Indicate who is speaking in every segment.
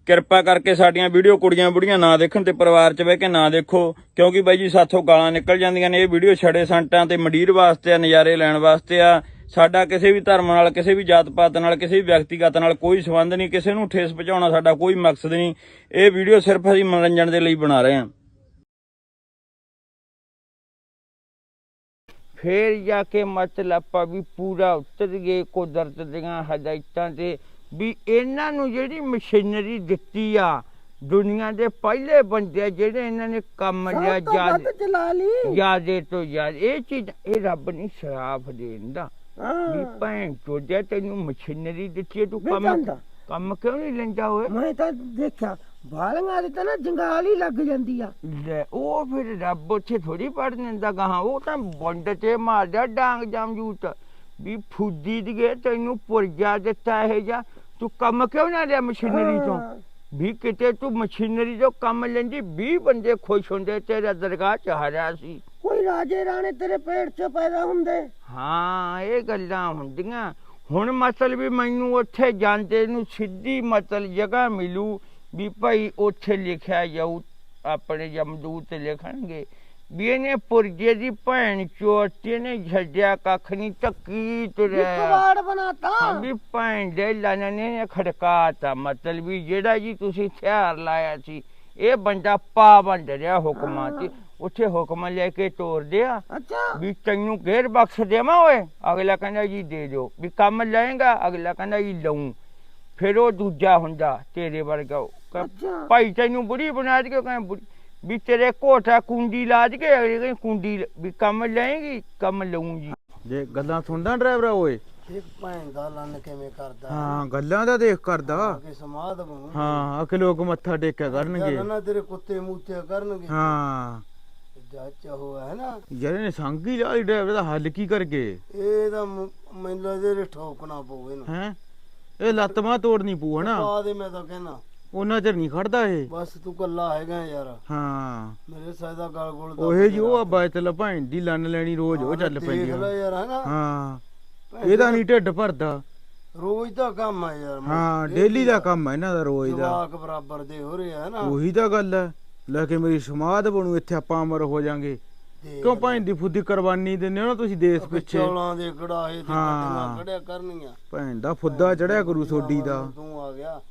Speaker 1: ਕਿਰਪਾ ਕਰਕੇ ਸਾਡੀਆਂ ਵੀਡੀਓ ਕੁੜੀਆਂ ਬੁੜੀਆਂ ਨਾ ਦੇਖਣ ਤੇ ਪਰਿਵਾਰ 'ਚ ਬਹਿ ਕੇ ਨਾ ਦੇਖੋ, ਕਿਉਂਕਿ ਬਾਈ ਜੀ ਸਾਥੋਂ ਗਾਲਾਂ ਨਿਕਲ ਜਾਂਦੀਆਂ ਨੇ। ਇਹ ਵੀਡੀਓ ਛੜੇ ਸੰਟਾਂ ਤੇ ਮੰਡੀਰ ਵਾਸਤੇ ਆ, ਨਜ਼ਾਰੇ ਲੈਣ ਵਾਸਤੇ ਆ। ਸਾਡਾ ਕਿਸੇ ਵੀ ਧਰਮ ਨਾਲ, ਕਿਸੇ ਵੀ ਜਾਤ ਪਾਤ ਨਾਲ, ਕਿਸੇ ਵੀ ਵਿਅਕਤੀਗਤ ਨਾਲ ਕੋਈ ਸੰਬੰਧ ਨਹੀਂ। ਕਿਸੇ ਨੂੰ ਠੇਸ ਪਹੁੰਚਾਉਣਾ ਸਾਡਾ ਕੋਈ ਮਕਸਦ ਨਹੀਂ। ਇਹ ਵੀਡੀਓ ਸਿਰਫ ਅਸੀਂ ਮਨੋਰੰਜਨ ਦੇ ਲਈ ਬਣਾ ਰਹੇ ਹਾਂ।
Speaker 2: फिर जाके मतलब ਆਪਾਂ ਵੀ ਪੂਰਾ ਉਤਰ ਗਏ ਕੁਦਰਤ ਦੀਆਂ ਹਦਾਇਤਾਂ ਤੇ ਵੀ ਇਹਨਾਂ ਨੂੰ ਜਿਹੜੀ ਮਸ਼ੀਨਰੀ ਦਿੱਤੀ ਆ ਦੁਨੀਆ ਦੇ ਪਹਿਲੇ ਬੰਦੇ ਜਿਹੜੇ ਇਹਨਾਂ ਨੇ ਕੰਮ ਲਿਆ ਜ਼ਿਆਦੇ ਤੋਂ ਜ਼ਿਆਦਾ ਇਹ ਚੀਜ਼ ਇਹ ਰੱਬ ਨੇ ਸ਼ਰਾਫ ਦੇਂਦਾ ਵੀ ਭੈਣ ਚੋਦਿਆ ਤੈਨੂੰ ਮਸ਼ੀਨਰੀ ਦਿੱਤੀ ਤੂੰ ਕੰਮ ਕਿਉਂ ਨਹੀਂ ਲੈਂਦਾ ਹੋਏ।
Speaker 3: ਮੈਂ ਤਾਂ ਦੇਖਿਆ ਬਾਲੀਆਂ ਦੀ ਤਾਂ ਨਾ ਜੰਗਾਲ ਹੀ ਲੱਗ ਜਾਂਦੀ ਆ।
Speaker 2: ਲੈ ਉਹ ਫਿਰ ਰੱਬ ਉੱਥੇ ਥੋੜੀ ਪੜ ਦਿੰਦਾ ਗਾਹਾਂ, ਉਹ ਤਾਂ ਬੰਡ ਤੇ ਮਾਰਦਾ ਡਾਂਗ ਜਮਜੂਤ ਵੀ ਫੁੱਦੀ ਦੀਏ ਤੈਨੂੰ ਪੁਰਜਾ ਦਿੱਤਾ ਇਹ ਜਾ ਤੂੰ ਕੰਮ ਕਿਉਂ ਨਾ ਲਿਆ ਮਸ਼ੀਨਰੀ ਤੋਂ ਵੀ ਕਿਤੇ ਤੂੰ ਮਸ਼ੀਨਰੀ ਤੋਂ ਕੰਮ ਲੈਂਦੀ 20 ਬੰਦੇ ਖੁਸ਼ ਹੁੰਦੇ ਤੇਰਾ ਦਰਗਾਹ ਚ ਹਾਰਿਆ ਸੀ।
Speaker 3: ਕੋਈ ਰਾਜੇ ਰਾਣੇ ਤੇਰੇ ਪੇਟ ਚ ਪੈਦਾ ਹੁੰਦੇ।
Speaker 2: ਹਾਂ ਇਹ ਗੱਲਾਂ ਹੁੰਦੀਆਂ। ਹੁਣ ਮਤਲਬ ਵੀ ਮੈਨੂੰ ਉੱਥੇ ਜਾਂਦੇ ਨੂੰ ਸਿੱਧੀ ਮਤਲਬ ਜਗ੍ਹਾ ਮਿਲੂ ਵੀ ਭਾਈ ਉੱਥੇ ਲਿਖਿਆ ਜਾਊ ਆਪਣੇ ਜਮਦੂਤ ਲਿਖਣਗੇ ਵੀ ਇਹਨੇ ਪੁਰਜੇ ਦੀ ਭੈਣ ਚੋਤੀ ਨੇ ਛੱਡਿਆ ਕੱਖ ਨਹੀਂ ਟੱਕੀ ਤੁਰਿਆ
Speaker 3: ਬਣਾਤਾ
Speaker 2: ਵੀ ਭੈਣ ਦੇ ਲਾਣੇ ਨੇ ਖੜਕਾਤਾ ਮਤਲਬ ਵੀ ਜਿਹੜਾ ਜੀ ਤੁਸੀਂ ਹਥਿਆਰ ਲਾਇਆ ਸੀ ਇਹ ਬੰਦਾ ਪਾਬੰਦ ਰਿਹਾ ਹੁਕਮਾਂ ਤੇ ਉੱਥੇ ਹੁਕਮ ਲੈ ਕੇ ਤੋਰ ਦਿਆ ਵੀ ਤੈਨੂੰ ਘੇਰ ਬਖਸ਼ ਦੇਵਾਂ ਓਏ ਅਗਲਾ ਕਹਿੰਦਾ ਜੀ ਦੇ ਦਿਓ ਵੀ ਕੰਮ ਲਏਗਾ ਅਗਲਾ ਕਹਿੰਦਾ ਜੀ ਲਊਂ ਫਿਰ ਉਹ ਦੂਜਾ ਹੁੰਦਾ ਤੇਰੇ ਵਰਗਾ ਭਾਈ ਤੈਨੂੰ ਬੁੜੀ ਬਣਾ ਕੇ ਕਹਿੰਦਾ ਵੀ ਤੇਰੇ ਕੋਠਾ ਕੁੰਡੀ ਲਾਜ ਕੇ ਅਗਲੇ ਕਹਿੰਦੇ ਕੁੰਡੀ ਵੀ ਕੰਮ ਲਏਗੀ ਕੰਮ ਲਊਂ ਜੀ।
Speaker 1: ਜੇ ਗੱਲਾਂ ਸੁਣਦਾ ਡਰਾਈਵਰਾ ਓਏ
Speaker 3: ਇਹ ਭੈਣ ਦਾ ਲੰਨ ਕਿਵੇਂ ਕਰਦਾ।
Speaker 1: ਹਾਂ ਗੱਲਾਂ ਦਾ ਦੇਖ ਕਰਦਾ
Speaker 3: ਕਿ ਸਮਾਦ ਬਣੂ।
Speaker 1: ਹਾਂ ਅਕੇ ਲੋਕ ਮੱਥਾ ਟੇਕਿਆ ਕਰਨਗੇ
Speaker 3: ਨਾ ਤੇਰੇ ਕੁੱਤੇ ਮੂਤੇ ਕਰਨਗੇ।
Speaker 1: ਹਾਂ
Speaker 3: ਜੱਜ ਹੋਇਆ ਹੈ ਨਾ
Speaker 1: ਯਾਰ ਇਹਨੇ ਸੰਗੀ ਲਾਲੀ ਡਰਾਈਵਰ ਦਾ ਹੱਲ ਕੀ ਕਰ ਗਏ।
Speaker 3: ਇਹ ਤਾਂ ਮੈਨੂੰ ਲੱਗਦਾ ਠੋਕਣਾ ਪਊ ਇਹਨੂੰ
Speaker 1: ਹੈ ਇਹ ਲੱਤ ਬਾਂਹ ਤੋੜਨੀ ਪਊ ਹਨਾ
Speaker 3: ਪਾ ਦੇ ਮੈਂ ਤਾਂ ਕਹਿਣਾ
Speaker 1: ਉਹਨਾਂ ਚਿਰ ਨਹੀਂ ਖੜਦਾ ਇਹ
Speaker 3: ਬਸ ਤੂੰ ਕੱਲਾ ਹੈਗਾ ਯਾਰ।
Speaker 1: ਹਾਂ
Speaker 3: ਮੇਰੇ ਸਾਇਦਾ ਗਲ ਗੋਲ
Speaker 1: ਉਹੇ ਜੀ ਉਹ ਆ ਚਲ ਭੈਣ ਦੀ ਲੰਨ ਲੈਣੀ ਰੋਜ਼ ਉਹ ਚੱਲ ਪੈਂਦੀ
Speaker 3: ਆ ਯਾਰ ਹਨਾ।
Speaker 1: ਹਾਂ ਇਹਦਾ ਨਹੀਂ ਢਿੱਡ ਭਰਦਾ
Speaker 3: ਰੋਜ਼ ਦਾ ਕੰਮ ਆ ਯਾਰ।
Speaker 1: ਹਾਂ ਡੇਲੀ ਦਾ ਕੰਮ ਆ ਇਹਨਾਂ ਦਾ ਰੋਜ਼ ਦਾ
Speaker 3: ਜਵਾਕ ਬਰਾਬਰ ਦੇ ਹੋ ਰਹੇ ਆ ਨਾ।
Speaker 1: ਉਹੀ ਤਾਂ ਗੱਲ ਹੈ ਲੈ ਕੇ ਮੇਰੀ ਸਮਾਧ ਬਣੂ ਇੱਥੇ ਆਪਾਂ ਅਮਰ ਹੋ ਜਾਾਂਗੇ ਕਿਉਂ ਭੈਣ ਦੀ ਫੁੱਦੀ ਕੁਰਬਾਨੀ ਦਿੰਦੇ ਹੋ ਨਾ ਤੁਸੀਂ ਦੇਸ਼ ਪਿੱਛੇ।
Speaker 3: ਚੌਲਾਂ ਦੇ ਕੜਾਹੇ ਤੇ ਕੱਟੀਆਂ ਕੜਿਆ ਕਰਨੀਆਂ
Speaker 1: ਭੈਣ ਦਾ ਫੁੱਦਾ ਚੜਿਆ ਕਰੂ ਸੋਡੀ ਦਾ।
Speaker 3: ਤੂੰ ਆ ਗਿਆ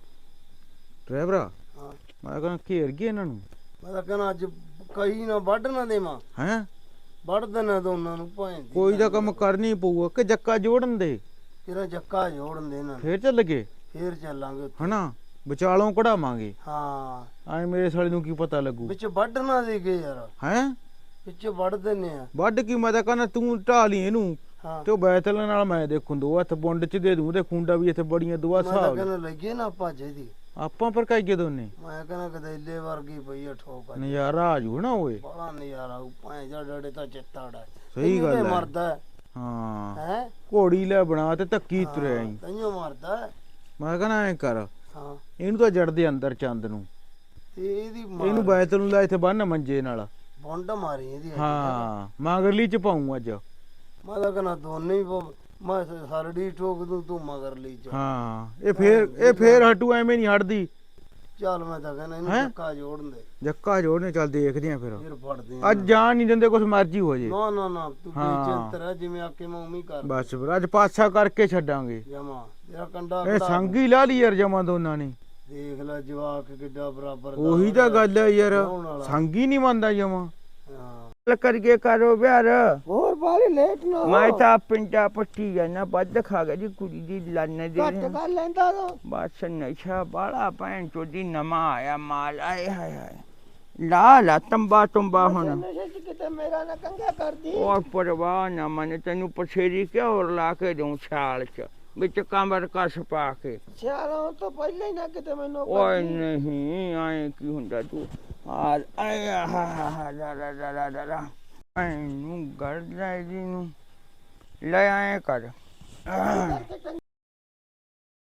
Speaker 1: ਡਰਾਈਵਰਾ ਮੈਂ ਕਹਿੰਦਾ ਘੇਰ ਗਏ ਇਹਨਾਂ ਨੂੰ।
Speaker 3: ਮੈਂ ਤਾਂ ਕਹਿੰਦਾ ਅੱਜ ਕਹੀ ਨਾ ਵੱਢ ਨਾ ਦੇਵਾਂ
Speaker 1: ਹੈਂ
Speaker 3: ਵੱਢ ਦੇਣਾ ਦੋਨਾਂ ਨੂੰ ਭੈਣ ਦੀ।
Speaker 1: ਕੋਈ ਦਾ ਕੰਮ ਕਰਨੀ ਪਊਗਾ ਕਿ ਜੱਕਾ ਜੋੜਨ ਦੇ
Speaker 3: ਤੇਰਾ ਜੱਕਾ ਜੋੜਨ ਦੇ ਇਹਨਾਂ
Speaker 1: ਫੇਰ ਚੱਲ ਗਏ
Speaker 3: ਫੇਰ ਚੱਲਾਂਗੇ
Speaker 1: ਹਨਾ ਵਿਚਾਲੋਂ ਕਢਾਵਾਂਗੇ।
Speaker 3: ਹਾਂ
Speaker 1: ਐ ਮੇਰੇ ਸਾਲੇ ਨੂੰ ਕੀ ਪਤਾ ਲੱਗੂ
Speaker 3: ਵਿੱਚ ਵੱਢ ਨਾ ਦੇ ਗਏ ਯਾਰ।
Speaker 1: ਹੈਂ
Speaker 3: ਵਿੱਚ ਵੱਢ ਦਿੰਨੇ ਆ
Speaker 1: ਵੱਢ ਕੀ ਮੈਂ ਤਾਂ ਕਹਿੰਦਾ ਤੂੰ ਢਾ ਲਈ ਇਹਨੂੰ ਤੇ ਉਹ ਬੈਤਲ ਨਾਲ ਮੈਂ ਦੇਖੂ ਦੋ ਹੱਥ ਬੁੰਡ ਚ ਦੇ ਦੂੰ ਤੇ ਖੁੰਡਾ ਵੀ ਇੱਥੇ ਬੜੀਆਂ ਦੁਆ
Speaker 3: ਮੈਂ ਤਾਂ
Speaker 1: ਸਾਹ
Speaker 3: ਕਹਿੰਦਾ ਲੱਗੇ ਨਾ ਭਾਜੇ ਦੀ
Speaker 1: ਆਪਾਂ ਪਰ ਕਾਈਏ ਦੋਨੇ।
Speaker 3: ਮੈਂ ਕਹਿੰਦਾ ਗਦੈਲੇ ਵਰਗੀ ਪਈ ਆ ਠੋਕ
Speaker 1: ਨਜ਼ਾਰਾ ਆ ਜੂ ਨਾ ਓਏ
Speaker 3: ਬੜਾ ਨਜ਼ਾਰਾ ਭਾਂ ਜਾ ਡੜੇ ਤਾਂ ਚਿੱਤਾੜਾ
Speaker 1: ਸਹੀ ਗੱਲ ਹੈ
Speaker 3: ਮਰਦਾ
Speaker 1: ਹਾਂ
Speaker 3: ਹੈ
Speaker 1: ਘੋੜੀ ਲੈ ਬਣਾ ਤੇ ਧੱਕੀ ਤੁਰਿਆ ਈ।
Speaker 3: ਤੈਨੂੰ ਮਰਦਾ
Speaker 1: ਮੈਂ ਕਹਿੰਦਾ ਐ ਕਰ
Speaker 3: ਹਾਂ
Speaker 1: ਇਹਨੂੰ ਤਾਂ ਜੜ ਦੇ ਅੰਦਰ ਚੰਦ ਨੂੰ
Speaker 3: ਤੇ ਇਹਦੀ
Speaker 1: ਇਹਨੂੰ ਬੈਤਲ ਨੂੰ ਲੈ ਇੱਥੇ ਬੰਨ ਮੰਜੇ ਨਾਲ
Speaker 3: ਬੁੰਡ ਮਾਰੀ ਇਹਦੀ।
Speaker 1: ਹਾਂ ਮਗਰਲੀ ਚ ਪਾਉਂ ਅੱਜ
Speaker 3: ਮੈਂ ਤਾਂ ਕਹਿੰਦਾ ਦੋਨੇ ਹੀ ਮੈਂ ਸਰੜੀ ਠੋਕ ਦੂੰ ਤੂੰ ਮਗਰ ਲਈ ਚ।
Speaker 1: ਹਾਂ ਇਹ ਫੇਰ ਹਟੂ ਐਵੇਂ ਨਹੀਂ ਹਟਦੀ।
Speaker 3: ਚੱਲ ਮੈਂ ਤਾਂ ਕਹਿੰਦਾ ਇਹਨੂੰ ਜੱਕਾ ਜੋੜਨ ਦੇ।
Speaker 1: ਜੱਕਾ ਜੋੜਨੇ ਚੱਲ ਦੇਖਦੇ ਆ ਫਿਰ
Speaker 3: ਫੜਦੇ
Speaker 1: ਅੱਜ ਜਾਣ ਨਹੀਂ ਦਿੰਦੇ ਕੁਛ ਮਰਜ਼ੀ ਹੋ ਜੇ।
Speaker 3: ਨਾ ਨਾ ਨਾ ਤੂੰ ਬੇਚਿੰਤ ਰਹਿ ਜਿਵੇਂ ਆਕੇ ਮੈਂ ਉਵੇਂ ਕਰ
Speaker 1: ਬਸ ਫਿਰ ਅੱਜ ਪਾਸਾ ਕਰਕੇ ਛੱਡਾਂਗੇ
Speaker 3: ਜਮਾ ਤੇਰਾ ਕੰਡਾ
Speaker 1: ਇਹ ਸੰਗੀ ਲਾ ਲਈ ਯਾਰ ਜਮਾ ਦੋਨਾਂ ਨੇ।
Speaker 3: ਦੇਖ ਲੈ ਜਵਾਕ ਕਿੱਡਾ ਬਰਾਬਰ ਦਾ
Speaker 1: ਉਹੀ ਤਾਂ ਗੱਲ ਹੈ ਯਾਰ ਸੰਗੀ ਨਹੀਂ ਮੰਨਦਾ ਜਮਾ।
Speaker 2: ਕਰਕੇ ਕਰੋ ਵਿਆਰ
Speaker 3: ਹੋਰ ਬਾਲੀ ਲੇਟ ਨਾ
Speaker 2: ਮੈਂ ਤਾਂ ਪਿੰਡਾ ਪੱਟੀ ਜਾਣਾ ਵੱਧ ਖਾ ਗਿਆ ਜੀ ਕੁੜੀ ਦੀ ਲੰਨ ਦੇ
Speaker 3: ਘੱਟ ਕਰ ਲੈਂਦਾ ਤੂੰ
Speaker 2: ਬਸ ਨਸ਼ਾ ਬਾਲਾ ਭੈਣ ਚੋਦੀ ਨਵਾਂ ਆਇਆ ਮਾਲ ਆਏ ਹਾਏ ਹਾਏ ਲਾ ਤੰਬਾ ਹੁਣ
Speaker 3: ਨਸ਼ੇ ਚ ਕਿਤੇ ਮੇਰਾ ਨਾ ਕੰਗਾ ਕਰਦੀ।
Speaker 2: ਉਹ ਪਰਵਾਹ ਨਾ ਮਨ ਤੈਨੂੰ ਪਛੇਰੀ ਕਿਉਂ ਲਾ ਕੇ ਦਊਂ ਛਾਲ ਚ ਵਿੱਚ ਕਮਰ ਕਸ ਪਾ ਕੇ।
Speaker 3: ਸਿਆਲੋਂ ਤੋਂ ਪਹਿਲਾਂ ਹੀ ਨਾ ਕਿਤੇ ਮੈਨੂੰ
Speaker 2: ਓਏ ਨਹੀਂ ਆਏ ਕੀ ਹੁੰਦਾ ਤੂੰ ਆ ਆਇਆ ਹਾ ਲਾ ਐਨੂੰ ਗੜਦਾ ਜੀ ਨੂੰ ਲੈ ਆਏ ਕਰ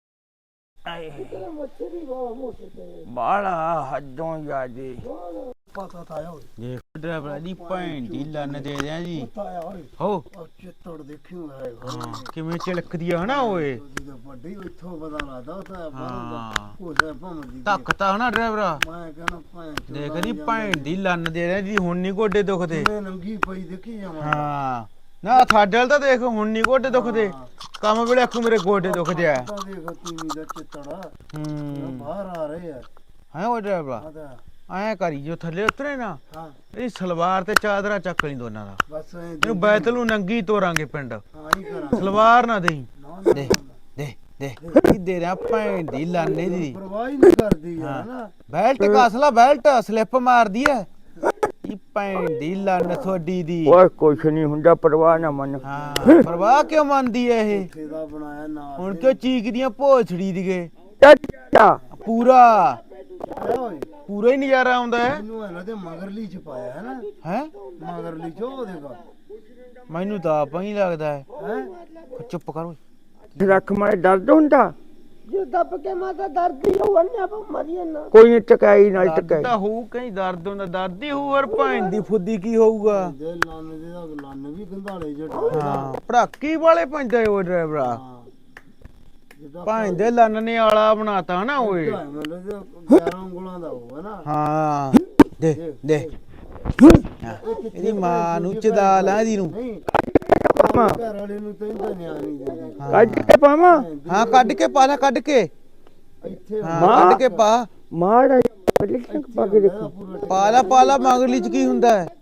Speaker 2: ਆਏ ਬਾਲਾ ਹੱਦੋਂ ਜਾਦੇ
Speaker 3: ਪਤਾ ਤਾਂ ਆਇਆ ਓਏ
Speaker 2: ਦੇਖ ਡਰਾਈਵਰ ਦੀ ਭੈਣ ਦੀ ਲੰਨ ਦੇ ਦਿਆਂ ਜੀ
Speaker 3: ਪਤਾ ਆਇਆ ਓਏ
Speaker 2: ਹੋ
Speaker 3: ਉਹ ਚਿੱਤੜ ਦੇਖਿਓ ਹੈ
Speaker 2: ਹਾਂ ਕਿਵੇਂ ਚਿਲਕਦੀ ਆ ਹਨਾ ਓਏ
Speaker 3: ਉਹਦੀ ਤਾਂ ਵੱਡੀ ਇੱਥੋਂ ਪਤਾ ਲੱਗਦਾ ਉਹ ਤਾਂ
Speaker 2: ਹਾਂ
Speaker 3: ਉਹ ਸੇ ਭੰਮਦੀ
Speaker 2: ਧੱਕਤਾ ਹਨਾ ਡਰਾਈਵਰਾ
Speaker 3: ਮੈਂ ਕਹਿੰਦਾ ਭੈਣ ਚੋਦ
Speaker 2: ਦੇਖ ਦੀ ਭੈਣ ਦੀ ਲੰਨ ਦੇ ਦਿਆਂ ਜੀ ਹੁਣ ਨਹੀਂ ਗੋਡੇ ਦੁਖਦੇ
Speaker 3: ਮੈਂ ਨੰਗੀ ਪਈ ਦੇਖੀ ਜਾਵਾਂ
Speaker 2: ਹਾਂ ਨਾ ਸਾਡੇ ਵਾਲ ਤਾਂ ਦੇਖ ਹੁਣ ਨਹੀਂ ਗੋਡੇ ਦੁਖਦੇ ਕੰਮ ਵੇਲੇ ਆਖੂ ਮੇਰੇ ਗੋਡੇ ਦੁਖਦੇ ਆ
Speaker 3: ਤਾਂ ਦੇਖ ਤੀਵੀਂ ਦਾ ਚਿੱਤੜਾ
Speaker 2: ਹੂੰ
Speaker 3: ਬਾਹਰ ਆ ਰਹੇ ਆ
Speaker 2: ਹੈ ਓ ਡਰਾਈਵਰਾ
Speaker 3: ਆਦਾ
Speaker 2: ਐਂ ਕਰੀ ਜੋ ਥੱਲੇ ਉਤਰੇ ਨਾ
Speaker 3: ਹਾਂ
Speaker 2: ਇਹ ਸਲਵਾਰ ਤੇ ਚਾਦਰਾ ਚੱਕ ਲਈ ਦੋਨਾਂ ਦਾ
Speaker 3: ਬਸ ਐਂ
Speaker 2: ਇਹਨੂੰ ਬੈਤਲ ਨੂੰ ਨੰਗੀ ਤੋਰਾਂਗੇ ਪਿੰਡ
Speaker 3: ਹਾਂ ਹੀ ਕਰਾਂ
Speaker 2: ਸਲਵਾਰ ਨਾ ਦੇਈ
Speaker 3: ਨਾ ਨਾ,
Speaker 2: ਦੇ ਦੇ ਦੇ ਕੀ ਦੇ ਰਿਹਾ ਭੈਣ ਦੀ ਲਾਨੇ ਦੀ
Speaker 3: ਪਰਵਾਹ ਹੀ ਨਹੀਂ ਕਰਦੀ ਯਾਰ ਨਾ
Speaker 2: ਬੈਲਟ ਕਸਲਾ ਬੈਲਟ ਸਲਿੱਪ ਮਾਰਦੀ ਐ ਇਹ ਭੈਣ ਦੀ ਲੰਨ ਤੁਹਾਡੀ ਦੀ
Speaker 1: ਓਏ ਕੁਛ ਨਹੀਂ ਹੁੰਦਾ ਪਰਵਾਹ ਨਾ ਮੰਨ
Speaker 2: ਹਾਂ ਪਰਵਾਹ ਕਿਉਂ ਮੰਨਦੀ ਐ ਇਹ
Speaker 3: ਫੇਦਾ ਬਣਾਇਆ ਨਾ
Speaker 2: ਹੁਣ ਕਿਉਂ ਚੀਕਦੀਆਂ ਭੋਛੜੀ ਦੀਗੇ
Speaker 1: ਚਾਚਾ
Speaker 2: ਪੂਰਾ
Speaker 3: ਆਇਆ ਓਏ
Speaker 2: ਪੂਰਾ ਹੀ ਨਜ਼ਾਰਾ ਆਉਂਦਾ ਹੈ
Speaker 3: ਇਹਨੂੰ ਹੈ ਨਾ ਤੇ ਮਗਰਲੀ ਚ ਪਾਇਆ ਹੈ ਨਾ
Speaker 2: ਹੈ
Speaker 3: ਮਗਰਲੀ ਚ ਉਹ ਦੇਖਾ
Speaker 2: ਮੈਨੂੰ ਤਾਂ ਆਪਾ ਹੀ ਲੱਗਦਾ ਹੈ
Speaker 3: ਹੈ
Speaker 2: ਚੁੱਪ ਕਰ ਓਏ
Speaker 1: ਰੱਖ ਮਾਰੇ ਦਰਦ ਹੁੰਦਾ
Speaker 3: ਜੇ ਦੱਬ ਕੇ ਮਾਤਾ ਦਰਦ ਹੀ ਹੋਣੇ ਆ ਮਰੀਏ ਨਾ
Speaker 1: ਕੋਈ ਨਹੀਂ ਟਕਾਈ ਨਾਲ
Speaker 2: ਦਰਦ
Speaker 1: ਟਕਾਈ
Speaker 2: ਤਾਂ ਹੋਊ ਕਈ ਦਰਦ ਹੁੰਦਾ ਦਰਦ ਹੀ ਹੋਊ ਔਰ ਭੈਣ ਦੀ ਫੁੱਦੀ ਕੀ ਹੋਊਗਾ
Speaker 3: ਦੇ ਲੰਨ ਦੇ ਦਾ ਲੰਨ ਵੀ ਗੰਧਾਲੇ ਜੱਟ
Speaker 2: ਹਾਂ ਪੜਾਕੀ ਵਾਲੇ ਪੈਂਦੇ ਓ ਡਰਾਈਵਰਾ
Speaker 3: ਹਾਂ ਜਿੱਦਾਂ
Speaker 2: ਭੈਣ ਦੇ ਲੰਨ ਨੇ ਆਲਾ ਬਣਾਤਾ ਹਨਾ ਓਏ
Speaker 3: ਮਤਲਬ 11 ਉਂਗਲਾਂ ਦਾ ਹੋਊਗਾ ਨਾ
Speaker 2: ਹਾਂ ਦੇ ਦੇ ਹਾਂ, ਇਹਦੀ ਮਾਂ ਨੂੰ ਚਦਾ ਲਾ ਇਹਦੀ ਨੂੰ
Speaker 3: ਨਹੀਂ ਘਰ ਵਾਲੇ ਨੂੰ ਤਾਂ ਨਹੀਂ ਆਣੀ ਦਿੰਦੀ
Speaker 1: ਕੱਢ ਕੇ ਪਾਵਾਂ
Speaker 2: ਹਾਂ ਕੱਢ ਕੇ ਪਾ ਲੈ ਕੱਢ ਕੇ
Speaker 3: ਇੱਥੇ
Speaker 2: ਹਾਂ ਕੱਢ ਕੇ ਪਾ
Speaker 1: ਮਾੜਾ ਲਿਖਣ ਪਾ ਕੇ ਦੇਖੋ
Speaker 2: ਪਾ ਲਾ ਮਗਰਲੀ ਚ ਕੀ ਹੁੰਦਾ ਹੈ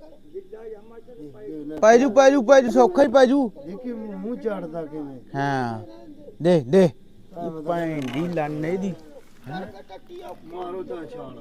Speaker 2: ਪੈ ਜੂ ਸੌਖਾ ਹੀ ਪੈ ਜੂ
Speaker 3: ਦੇਖੀ ਮੂੰਹ ਝਾੜਦਾ ਕਿਵੇਂ
Speaker 2: ਹਾਂ ਦੇ ਦੇ ਭੈਣ ਦੀ ਲੰਨ ਇਹਦੀ
Speaker 3: ਮਾਰੋ ਤਾਂ ਛਾਲ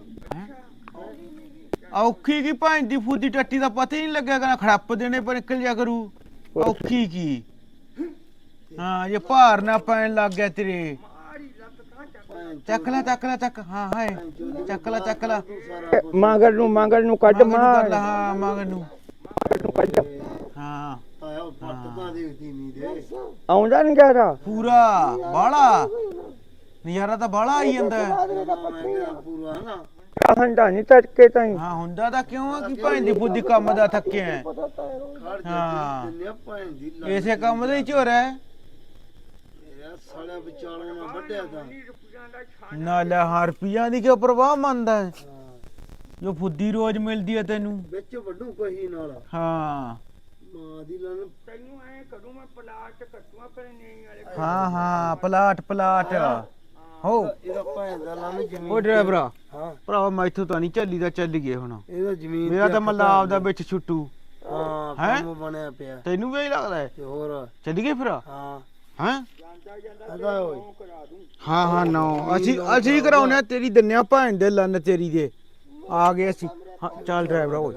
Speaker 2: ਔਖੀ ਕੀ ਭੈਣ ਦੀ ਫੂਦੀ ਟੱਟੀ ਦਾ ਪਤਾ ਹੀ ਨਹੀਂ ਲੱਗਿਆ ਖੜੱਪ ਦੇਣੇ ਪਰ ਨਿਕਲ ਜਾ ਕਰੂ ਔਖੀ ਕੀ ਹਾਂ ਇਹ ਭਾਰ ਨਾ ਪੈਣ ਲੱਗ ਗਿਆ ਤੇਰੇ ਚੱਕ ਹਾਂ ਹਾਏ ਚੱਕ ਲੈ
Speaker 1: ਮਗਰ ਨੂੰ ਕੱਢ ਮਾਰ
Speaker 2: ਹਾਂ ਮਗਰ ਨੂੰ
Speaker 1: ਕੱਢ
Speaker 2: ਹਾਂ
Speaker 3: ਆਇਆ ਪੱਟ ਤਾਂ ਦੇਖਦੀ ਨਹੀਂ ਦੇ
Speaker 1: ਆਉਂਦਾ ਨਹੀਂ ਗਾਰਾ
Speaker 2: ਪੂਰਾ ਬਾਲਾ ਨਜ਼ਾਰਾ ਤਾਂ ਬਾਲਾ ਆਈ ਜਾਂਦਾ ਹੈ।
Speaker 3: ਮੈਂ ਕਿਹਾ ਪੂਰਾ ਨਾ
Speaker 1: ਹੰਡਾ ਨਹੀਂ ਤੜਕੇ ਤਾਈ
Speaker 2: ਹਾਂ ਹੁੰਦਾ ਤਾਂ ਕਿਉਂ ਆ ਕਿ ਭੈਣ ਦੀ ਬੁੱਧੀ ਕੰਮ ਦਾ ਥੱਕਿਆ ਹੈ।
Speaker 3: ਖੜ
Speaker 2: ਹਾਂ।
Speaker 3: ਜਾ ਦਿੰਨੇ ਭੈਣ ਦੀ ਲੱਗ
Speaker 2: ਇਸੇ ਕੰਮ ਦਾ ਹੀ ਝੋਰ ਹੈ
Speaker 3: ਯਾਰ ਸਾਲਿਆ ਵਿਚਾਲੋਂ ਨਾ ਵੱਢਿਆ ਤਾਂ
Speaker 2: ਨਾਲੇ ਹਰਪੀਆਂ ਦੀ ਕਿਉਂ ਪਰਵਾਹ ਮੰਨਦਾ ਹੈ?
Speaker 3: ਹਾਂ,
Speaker 2: ਜੋ ਫੁੱਦੀ ਰੋਜ਼ ਮਿਲਦੀ ਹੈ ਤੈਨੂੰ
Speaker 3: ਵਿੱਚ ਵੱਢੂ ਕਹੀ ਨਾਲ
Speaker 2: ਹਾਂ
Speaker 3: ਮਾਂ ਦੀ ਲੰਨ
Speaker 1: ਤੈਨੂੰ ਐ ਕਰੂੰ ਮੈਂ ਪਲਾਟ ਕੱਟੂਆਂ ਪਰ ਨਹੀਂ ਵਾਲੇ
Speaker 2: ਹਾਂ ਪਲਾਟ ਹੋ
Speaker 3: ਇਹਦਾ ਭੈਣ ਦਾ ਲੰਨ ਜ਼ਮੀਨ
Speaker 2: ਉਹ ਡਰਾਈਵਰਾ
Speaker 3: ਹਾਂ
Speaker 2: ਭਰਾਵਾ ਮੈਥੋਂ ਤਾਂ ਨਹੀਂ ਚੱਲੀ ਦਾ ਚੱਲ ਗਏ ਹੁਣ
Speaker 3: ਇਹਦਾ ਜ਼ਮੀਨ
Speaker 2: ਮੇਰਾ
Speaker 3: ਤੇ
Speaker 2: ਤਾਂ ਮੱਲਾ
Speaker 3: ਹੱਕ
Speaker 2: ਆਪਦਾ ਵਿੱਚ ਛੁੱਟੂ
Speaker 3: ਹਾਂ
Speaker 2: ਹੈਂ?
Speaker 3: ਕੰਮ ਬਣਿਆ ਪਿਆ
Speaker 2: ਤੈਨੂੰ ਵੀ ਇਹੀ ਲੱਗਦਾ ਹੈ
Speaker 3: ਤੇ ਹੋਰ
Speaker 2: ਚੱਲ ਗਏ ਫਿਰ
Speaker 3: ਹਾਂ
Speaker 2: ਹੈਂ
Speaker 3: ਇਹਦਾ ਓਏ
Speaker 2: ਹਾਂ ਨੋ ਅਸੀਂ ਕਰਾਉਨੇ ਆ ਤੇਰੀ ਦੰਨਿਆ ਭੈਣ ਦੇ ਲੰਨ ਤੇਰੀ ਦੇ ਆ ਗਏ ਅਸੀਂ ਹਾਂ ਚੱਲ ਡਰਾਈਵਰ ਓਏ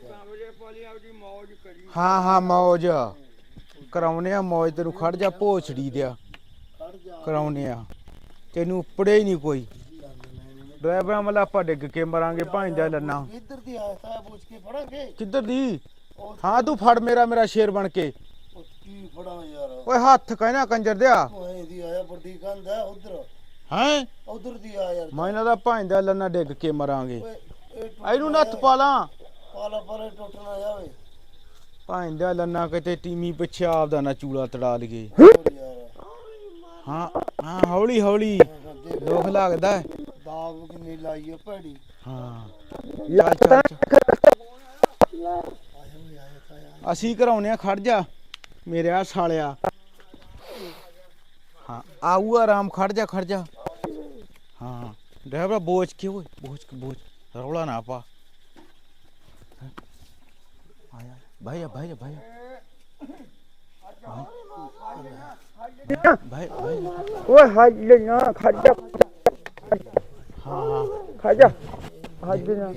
Speaker 2: ਹਾਂ ਮੌਜ ਕਰਾਉਨੇ ਆ ਮੌਜ ਤੈਨੂੰ ਖੜ ਜਾ ਭੋਛੜੀ ਦਿਆ ਕਰਾਉਨੇ ਆ ਤੈਨੂੰ ਉੱਪੜੇ ਹੀ ਨਹੀਂ ਕੋਈ ਡਰਾਈਵਰਾਂ ਮੱਲਾ ਆਪਾਂ ਡਿੱਗ ਕੇ ਮਰਾਂਗੇ ਭੈਣ ਦਾ ਲੰਨਾ
Speaker 3: ਇੱਧਰ ਦੀ ਆਇਆ ਤਾਂ ਪੁੱਛ ਕੇ ਫੜਾਂਗੇ
Speaker 2: ਕਿੱਧਰ ਦੀ ਹਾਂ ਤੂੰ ਫੜ ਮੇਰਾ ਸ਼ੇਰ ਬਣ ਕੇ
Speaker 3: ਉਹ ਕੀ ਫੜਾਂ ਯਾਰ
Speaker 2: ਓਏ ਹੱਥ ਕਹਿਣਾ ਕੰਜਰ ਦਿਆ
Speaker 3: ਉਹ ਇਹਦੀ ਆਇਆ ਵੱਡੀ ਕੰਧ ਹੈ ਉਧਰ
Speaker 2: ਹੈਂ
Speaker 3: ਉਧਰ ਦੀ ਆ ਯਾਰ
Speaker 2: ਮੈਂ ਇਹਨਾਂ ਦਾ ਭੈਣ ਦਾ ਲੰਨਾ ਡਿੱਗ ਕੇ ਮਰਾਂਗੇ
Speaker 3: ਓਏ ਇਹ
Speaker 2: ਇਹਨੂੰ ਨੱਥ ਪਾ ਲਾਂ
Speaker 3: ਪਾਲਾ ਪਾਲੇ ਟੁੱਟਣਾ ਜਾਵੇ
Speaker 2: ਭੈਣ ਦਾ ਲੰਨਾ ਕਿਤੇ ਟੀਮੀ ਪਿੱਛੇ ਆਪਦਾ ਨਾ ਚੂਲਾ ਤੜਾ ਲਈਏ
Speaker 3: ਹੋਰ ਯਾਰ
Speaker 2: ਹਾਂ ਹੌਲੀ ਦੁੱਖ ਲੱਗਦਾ ਹੈ।
Speaker 3: ਦਾਗ ਕਿੰਨੀ ਲਾਈ ਆ ਭੈੜੀ
Speaker 2: ਹਾਂ ਚੱਲ ਅਸੀਂ ਕਰਾਉਨੇ ਆ ਖੜ ਜਾ ਮੇਰੇ ਆ ਸਾਲਿਆ ਹਾਂ ਆਊ ਆਰਾਮ ਖੜ ਜਾ ਹਾਂ ਡਰਾਈਵਰ ਬੋਝ ਕੇ ਓਏ ਬੋਝ ਰੌਲਾ ਨਾ ਪਾ ਆਇਆ ਭਾਈ
Speaker 1: ਓਏ ਹੱਜ ਨਾ ਖੜ ਜਾ ਹੱਜ ਨਾ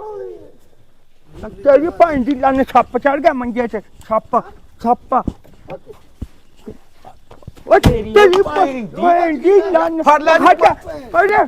Speaker 1: ਤੇਰੀ ਭੈਣ ਦੀ ਲੰਨ ਸੱਪ ਚੜ ਗਿਆ ਮੰਜੇ ਤੇ ਸੱਪ
Speaker 2: ਉਹ ਤੇਰੀ ਭੈਣ ਦੀ ਲੰਨ
Speaker 4: ਫੜ ਲੈ
Speaker 2: ਹਟ ਉਰੇ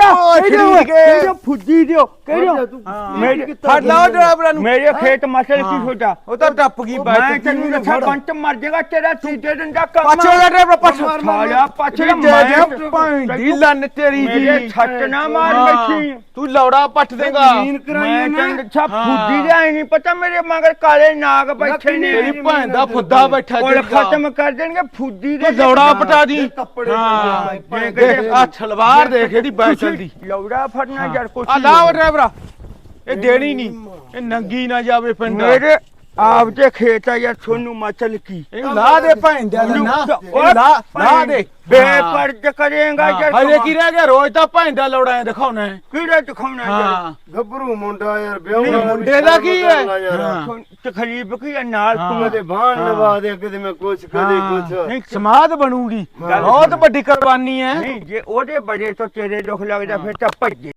Speaker 2: ਫੁੱਦੀ ਦਿਓ ਕਿਹੜੋ ਮੇਰੇ
Speaker 4: ਫੜ ਲਾ ਉਹ ਡਰਾਈਵਰਾਂ ਨੂੰ
Speaker 2: ਮੇਰੇ ਖੇਤ ਮਸਲ ਕੀ ਛੋਟਾ
Speaker 4: ਉਹ ਤਾਂ ਟੱਪ ਗਈ
Speaker 2: ਮੈਂ ਤੈਨੂੰ ਦੱਸਾਂ ਬੰਟ ਮਰ ਜਾਏਗਾ ਤੇਰਾ ਤੀਜੇ ਦਿਨ ਦਾ ਕੰਮ
Speaker 4: ਪਾਛੇ ਦਾ ਡਰਾਈਵਰ ਪਾਛੇ
Speaker 2: ਸਾਲਿਆ ਪਾਛੇ
Speaker 4: ਭੈਣ ਦੀ ਲੰਨ ਤੇਰੀ
Speaker 2: ਮੇਰੇ
Speaker 4: ਦੀ
Speaker 2: ਛੱਟ ਨਾ ਮਾਰ ਬੈਠੀ
Speaker 4: ਤੂੰ ਲੌੜਾ ਪੱਟ ਦੇਗਾ
Speaker 2: ਮੈਂ ਤੈਨੂੰ ਦੱਸਾਂ ਫੁੱਦੀ ਦਾ ਨਹੀਂ ਪਤਾ ਮੇਰੇ ਮਗਰ ਕਾਲੇ ਨਾਗ ਬੈਠੇ ਨੇ
Speaker 4: ਤੇਰੀ ਭੈਣ ਦਾ ਫੁੱਦਾ ਬੈਠਾ
Speaker 2: ਕੋਲ ਖਤਮ ਕਰ ਦੇਣਗੇ ਫੁੱਦੀ ਦੇ
Speaker 4: ਲੌੜਾ ਪਟਾ ਦੀ
Speaker 3: ਕੱਪੜੇ
Speaker 4: ਦੇਖ ਆ ਛਲਵਾਰ ਦੇਖ ਇਹਦੀ ਬੈਠਲ ਦੀ
Speaker 2: ਲੌੜਾ ਫੜਨਾ ਯਾਰ ਕੁਛ
Speaker 4: ਆ ਲਾ ਉਹ ਡਰਾਈਵਰਾ ਇਹ ਦੇਣੀ ਨਹੀਂ ਇਹ ਨੰਗੀ ਨਾ ਜਾਵੇ ਪਿੰਡ
Speaker 2: ਮੇਰੇ ਆਪ ਦੇ ਖੇਤ ਆ ਯਾਰ ਤੁਹਾਨੂੰ ਮਚਲ ਕੀ
Speaker 4: ਇਹਨੂੰ ਲਾ ਦੇ ਭੈਣ ਦਾ ਨਾ ਲਾ ਦੇ
Speaker 2: ਬੇਪਰਦ ਕਰੇਗਾ ਯਾਰ
Speaker 4: ਹਜੇ ਕੀ ਰਹਿ ਗਿਆ ਰੋਜ਼ ਤਾਂ ਭੈਣ ਦਾ ਲੌੜਾ ਦਿਖਾਉਣਾ ਹੈ
Speaker 2: ਕਿਹੜਾ ਦਿਖਾਉਣਾ ਯਾਰ
Speaker 4: ਹਾਂ
Speaker 3: ਗੱਭਰੂ ਮੁੰਡਾ ਯਾਰ
Speaker 4: ਨਹੀਂ,
Speaker 3: ਵਿਆਹ
Speaker 4: ਮੁੰਡੇ ਦਾ ਕੀ ਹੈ?
Speaker 2: ਤਕਲੀਫ ਕੀ ਆ ਨਾਲ ਤੂੰ
Speaker 3: ਕਦੇ ਬਾਣ ਲਵਾ ਦੇ ਕਦੇ ਮੈਂ ਕੁਛ ਕਦੇ ਕੁਛ
Speaker 2: ਨਹੀਂ
Speaker 4: ਸਮਾਧ ਬਣੂਗੀ ਬਹੁਤ ਵੱਡੀ ਕੁਰਬਾਨੀ ਹੈ
Speaker 2: ਨਹੀਂ ਜੇ ਉਹਦੇ ਬੜੇ ਤੋਂ ਤੇਰੇ ਦੁੱਖ ਲੱਗਦਾ ਫਿਰ ਤਾਂ ਭੱਜੇ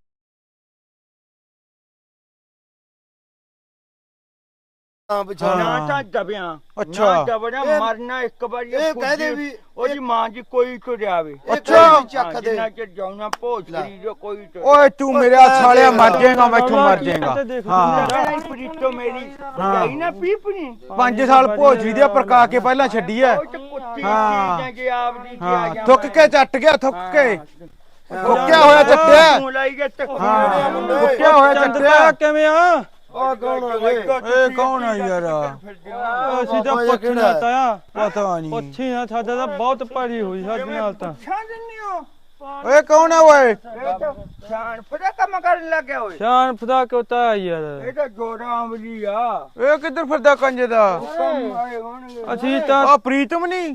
Speaker 2: ਨਾ ਤਾਂ ਦਬਿਆ
Speaker 4: ਅੱਛਾ।
Speaker 2: ਨਾ ਦਬਣਾ ਮਰਨਾ ਇੱਕ ਵਾਰੀ
Speaker 3: ਇਹ ਕਹਦੇ ਵੀ
Speaker 2: ਉਹਦੀ ਮਾਂ ਜੀ ਕੋਈ ਤੋਂ ਜਾਵੇ
Speaker 4: ਅੱਛਾ।
Speaker 3: ਚੱਕ ਦੇ
Speaker 2: ਜਿੰਨਾ ਚਿਰ ਜਾਉਣਾ ਭੋਜ ਕਰੀ ਜੋ ਕੋਈ ਤੋਂ
Speaker 4: ਓਏ ਤੂੰ ਮੇਰਾ ਸਾਲਿਆ ਮਰ ਜਾਏਗਾ ਮੈਥੋਂ ਮਰ ਜਾਏਗਾ ਹਾਂ
Speaker 2: ਪ੍ਰੀਤੋ ਮੇਰੀ ਜਾਈ ਨਾ ਪੀਪਣੀ
Speaker 4: 5 ਸਾਲ ਭੋਜਰੀ ਦੇ ਪ੍ਰਕਾ ਕੇ ਪਹਿਲਾਂ ਛੱਡੀ ਐ
Speaker 2: ਉਹ ਤੇ ਕੁੱਤੀ
Speaker 4: ਹਾਂ।
Speaker 2: ਚੀਜ਼ਾਂ ਜੇ ਆਪ ਦੀ ਤੇ ਆ
Speaker 4: ਹਾਂ
Speaker 2: ਜਾ
Speaker 4: ਥੁੱਕ ਕੇ ਚੱਟ ਗਿਆ ਥੁੱਕ ਕੇ ਥੁੱਕਿਆ ਹੋਇਆ ਚੱਟਿਆ
Speaker 2: ਤੂੰ ਲਾਈ ਗਿਆ ਤੱਕ
Speaker 4: ਥੁੱਕਿਆ ਹੋਇਆ ਚੱਟਿਆ ਕਿਵੇਂ ਆ
Speaker 3: ਆ ਕੌਣ ਆ ਵੇ
Speaker 4: ਇਹ ਕੌਣ ਆ ਯਾਰ
Speaker 5: ਅਸੀਂ ਤਾਂ
Speaker 3: ਬਾਬਾ
Speaker 5: ਪੁੱਛਣਾ ਤਾਇਆ
Speaker 4: ਪਤਾ ਨਹੀਂ
Speaker 5: ਪੁੱਛੀ ਨਾ ਸਾਡਾ ਤਾਂ ਬਹੁਤ ਭਰੀ ਹੋਈ ਸਾਡੇ ਨਾਲ ਤਾਂ
Speaker 2: ਛਾਂ ਦਿੰਨੀ ਹੋ
Speaker 4: ਓਏ ਕੌਣ ਆ ਓਏ
Speaker 2: ਇਹ ਤਾਂ ਛਾਂ ਪਤਾ ਕੰਮ ਕਰਨ ਲੱਗਿਆ ਓਏ
Speaker 5: ਸ਼ਾਨ ਫਦਾ ਕਿਉਂ ਤਾ ਯਾਰ
Speaker 2: ਇਹ ਤਾਂ ਜੋੜਾ ਅਮਲੀ ਆ
Speaker 4: ਇਹ ਕਿੱਧਰ ਫਿਰਦਾ ਕੰਜੇ ਦਾ
Speaker 2: ਕੰਮ ਆਏ ਹੋਣਗੇ
Speaker 5: ਅਸੀਂ ਤਾਂ
Speaker 4: ਆ ਪ੍ਰੀਤਮ ਨਹੀਂ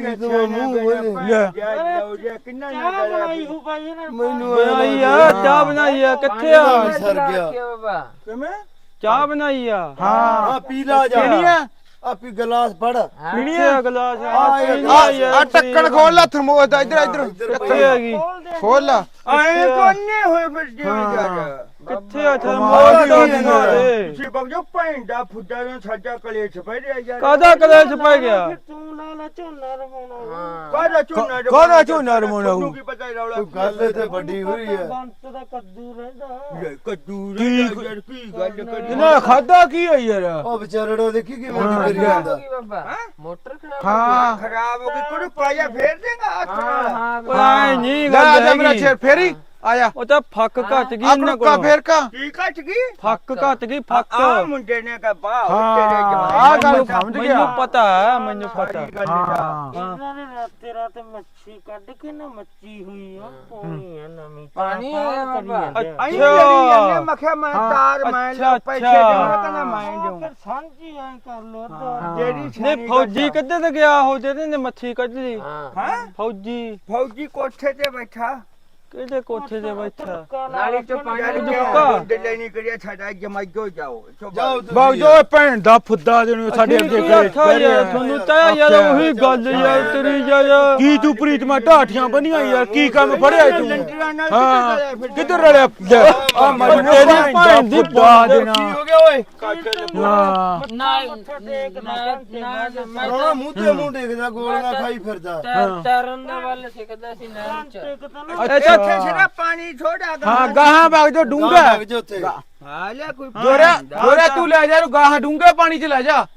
Speaker 2: ਕਿੰਨਾ ਚਾਹ ਬਣਾਈ ਹੋ
Speaker 3: ਮੈਨੂੰ
Speaker 5: ਬਣਾਈ ਆ ਚਾਹ ਬਣਾਈ ਆ ਕਿੱਥੇ ਆ
Speaker 3: ਸਰ ਗਿਆ
Speaker 2: ਕਿਵੇਂ
Speaker 5: ਚਾਹ ਬਣਾਈ ਆ
Speaker 4: ਹਾਂ
Speaker 3: ਆ ਪੀਲਾ ਜਾ
Speaker 4: ਕਿਹੜੀ ਆ
Speaker 3: ਆ ਪੀ ਗਲਾਸ ਫੜ
Speaker 5: ਪੀਣੀ ਆ ਗਲਾਸ
Speaker 4: ਆ ਟੱਕਣ ਖੋਲ ਲੈ ਥਰਮੋਸ ਦਾ ਇੱਧਰ ਇੱਧਰ
Speaker 5: ਕਿੱਥੇ ਹੈਗੀ
Speaker 4: ਖੋਲ ਲਾ
Speaker 2: ਆਏ ਕੋਨੇ ਹੋਏ ਫਿਰ ਜਿਵੇਂ ਜਾ
Speaker 5: ਕਿੱਥੇ ਆ ਥਰਮੋਸ ਦਾ ਦਿਨਾ ਦੇ
Speaker 2: ਤੁਸੀਂ ਬਗਜੋ ਪੈਂਦਾ ਫੁੱਟਾ ਨੂੰ ਸਾਡਾ ਕਲੇਸ਼ ਪੈ ਰਿਹਾ ਯਾਰ
Speaker 5: ਕਾਦਾ ਕਲੇਸ਼ ਪੈ ਗਿਆ
Speaker 2: ਕਾਹਦਾ ਝੋਨਾ
Speaker 4: ਕਾਹਦਾ ਝੋਨਾ ਰਮਾਉਣਾ
Speaker 2: ਤੈਨੂੰ ਕੀ ਪਤਾ ਰੌਲਾ
Speaker 3: ਗੱਲ ਇੱਥੇ ਵੱਡੀ ਹੋਈ ਹੈ
Speaker 2: ਕੱਦੂ ਰਹਿੰਦਾ ਯਾਰ ਕੀ ਗੱਲ ਕਰੀ
Speaker 4: ਇਹਨਾਂ ਖਾਦਾ ਕੀ ਹੈ ਯਾਰ
Speaker 3: ਉਹ ਵਿਚਾਰੜਾ ਦੇਖੀ ਕਿਵੇਂ ਕਰੀ ਜਾਂਦਾ
Speaker 4: ਹਾਂ
Speaker 2: ਖਰਾਬ ਹੋ ਗਈ ਕੋਈ ਪਾਇਆ ਫੇਰ ਦੇਗਾ ਹੱਥ ਨਾਲ
Speaker 5: ਓਏ ਨਹੀਂ
Speaker 4: ਲੈ ਆ ਜਾ
Speaker 5: ਗੱਲ
Speaker 4: ਮੇਰਾ
Speaker 5: ਹੈਗੀ।
Speaker 4: ਛੇਰ ਫੇਰੀ ਆਇਆ
Speaker 5: ਉਹ ਤਾਂ ਫੱਕ ਘਟ ਗਈ
Speaker 4: ਆ
Speaker 5: ਇਹਨਾਂ
Speaker 4: ਕਾ
Speaker 5: ਕੋਲ
Speaker 4: ਫੇਰ ਕਾ
Speaker 2: ਕੀ ਕੱਟ ਗਈ
Speaker 5: ਫੱਕ ਘਟ ਗਈ ਫੱਕ
Speaker 2: ਆ ਮੁੰਡੇ ਨੇ ਕਹਾ ਬਾਹ
Speaker 4: ਹਾਂ,
Speaker 2: ਤੇਰੇ
Speaker 4: ਆਹ ਗੱਲ
Speaker 2: ਜਮਾਨੇ
Speaker 4: ਸਮਝ ਗਿਆ।
Speaker 5: ਮੈਨੂੰ ਪਤਾ ਹੈ ਮੈਨੂੰ ਪਤਾ
Speaker 4: ਹਾਂ
Speaker 6: ਇਹਨਾਂ ਨੇ ਰਾਤੇ ਰਾਤੇ ਮੱਛੀ ਕੱਢ ਕੇ ਨਾ ਮੱਛੀ ਹੋਈ ਆ ਪਾਣੀ ਆ ਨਵੀਂ ਪਾਣੀ ਆ ਬਾਬਾ
Speaker 2: ਅਈ ਲੜੀ ਜਾਂਦੇ ਮਖਿਆ ਮੈਂ ਤਾਰ ਮੈਂ
Speaker 5: ਅੱਛਾ,
Speaker 2: ਪੈਸੇ
Speaker 5: ਅੱਛਾ।
Speaker 2: ਦੇਣਾ ਕਹਿੰਦਾ ਮੈਂ ਦੇਉਂ
Speaker 6: ਫਿਰ ਸਾਂਝੀ ਐ ਕਰ ਲੋ ਅੱਧਾ
Speaker 2: ਜਿਹੜੀ
Speaker 5: ਨੇ ਫੌਜੀ ਕਿੱਧਰ ਤੇ ਗਿਆ ਉਹ ਜਿਹਦੇ ਨੇ ਮੱਛੀ ਕੱਢ ਲਈ
Speaker 2: ਹਾਂ
Speaker 5: ਫੌਜੀ
Speaker 2: ਫੌਜੀ ਕੋਠੇ ਤੇ ਬੈਠਾ
Speaker 5: ਕਿਹਦੇ ਕੋਠੇ ਤੇ ਬੈਠਾ
Speaker 6: ਨਾਲੀ ਚ
Speaker 2: ਯਾਰ
Speaker 5: ਦੁੱਕਾ।
Speaker 2: ਦਿੱਲੇ ਨਹੀਂ ਕਰਿਆ ਸਾਡਾ ਜਮਾਈਓ ਜਾਓ
Speaker 3: ਜਾਓ
Speaker 4: ਬਾਗ ਜੋ ਭੈਣ ਦਾ ਫੁੱਦਾ ਦੇਣੋ ਸਾਡੇ ਅੱਗੇ ਕਰੇ
Speaker 5: ਤੁਹਾਨੂੰ ਤਾਂ ਯਾਰ ਉਹੀ ਗੱਲ ਯਾਰ ਤੇਰੀ ਯਾਰ
Speaker 4: ਕੀ ਤੂੰ ਪ੍ਰੀਤਮਾ ਢਾਠੀਆਂ ਬਣੀਆਂ ਯਾਰ ਕੀ ਕੰਮ ਫੜਿਆ ਤੂੰ
Speaker 2: ਲੰਟਰਾਂ ਨਾਲ
Speaker 4: ਹਾਂ ਕਿੱਧਰ ਰਲਿਆ ਆ ਮੈਂ ਤੇਰੀ ਭੈਣ ਦੀ ਫੁੱਦਾ ਦੇਣਾ
Speaker 3: ਕੀ ਹੋ ਗਿਆ ਓਏ
Speaker 4: ਹਾਂ
Speaker 3: ਰੋਣਾ ਮੂੰਹ ਤੇ ਮੂੰਹ ਦੇਖਦਾ ਗੋਲੀਆਂ ਖਾਈ ਫਿਰਦਾ
Speaker 6: ਤਰਨ ਦੇ ਵੱਲ ਸਿੱਖਦਾ ਸੀ ਨਹਿਰ ਚ
Speaker 4: ਅੱਛਾ
Speaker 2: ਇੱਥੇ ਸਿਰਾ ਪਾਣੀ ਥੋੜਾ
Speaker 4: ਹਾਂ ਗਾਹਾਂ ਬਾਗ ਜੋ ਡੂੰਗਾ
Speaker 3: ਲੱਗ ਜਾ ਉੱਥੇ
Speaker 2: ਆ ਲੈ ਕੋਈ
Speaker 4: ਜੋਰਿਆ ਤੂੰ ਲੈ ਜਾ ਇਹਨੂੰ ਗਾਹਾਂ ਡੂੰਗੇ ਪਾਣੀ ਚ ਲੈ ਜਾ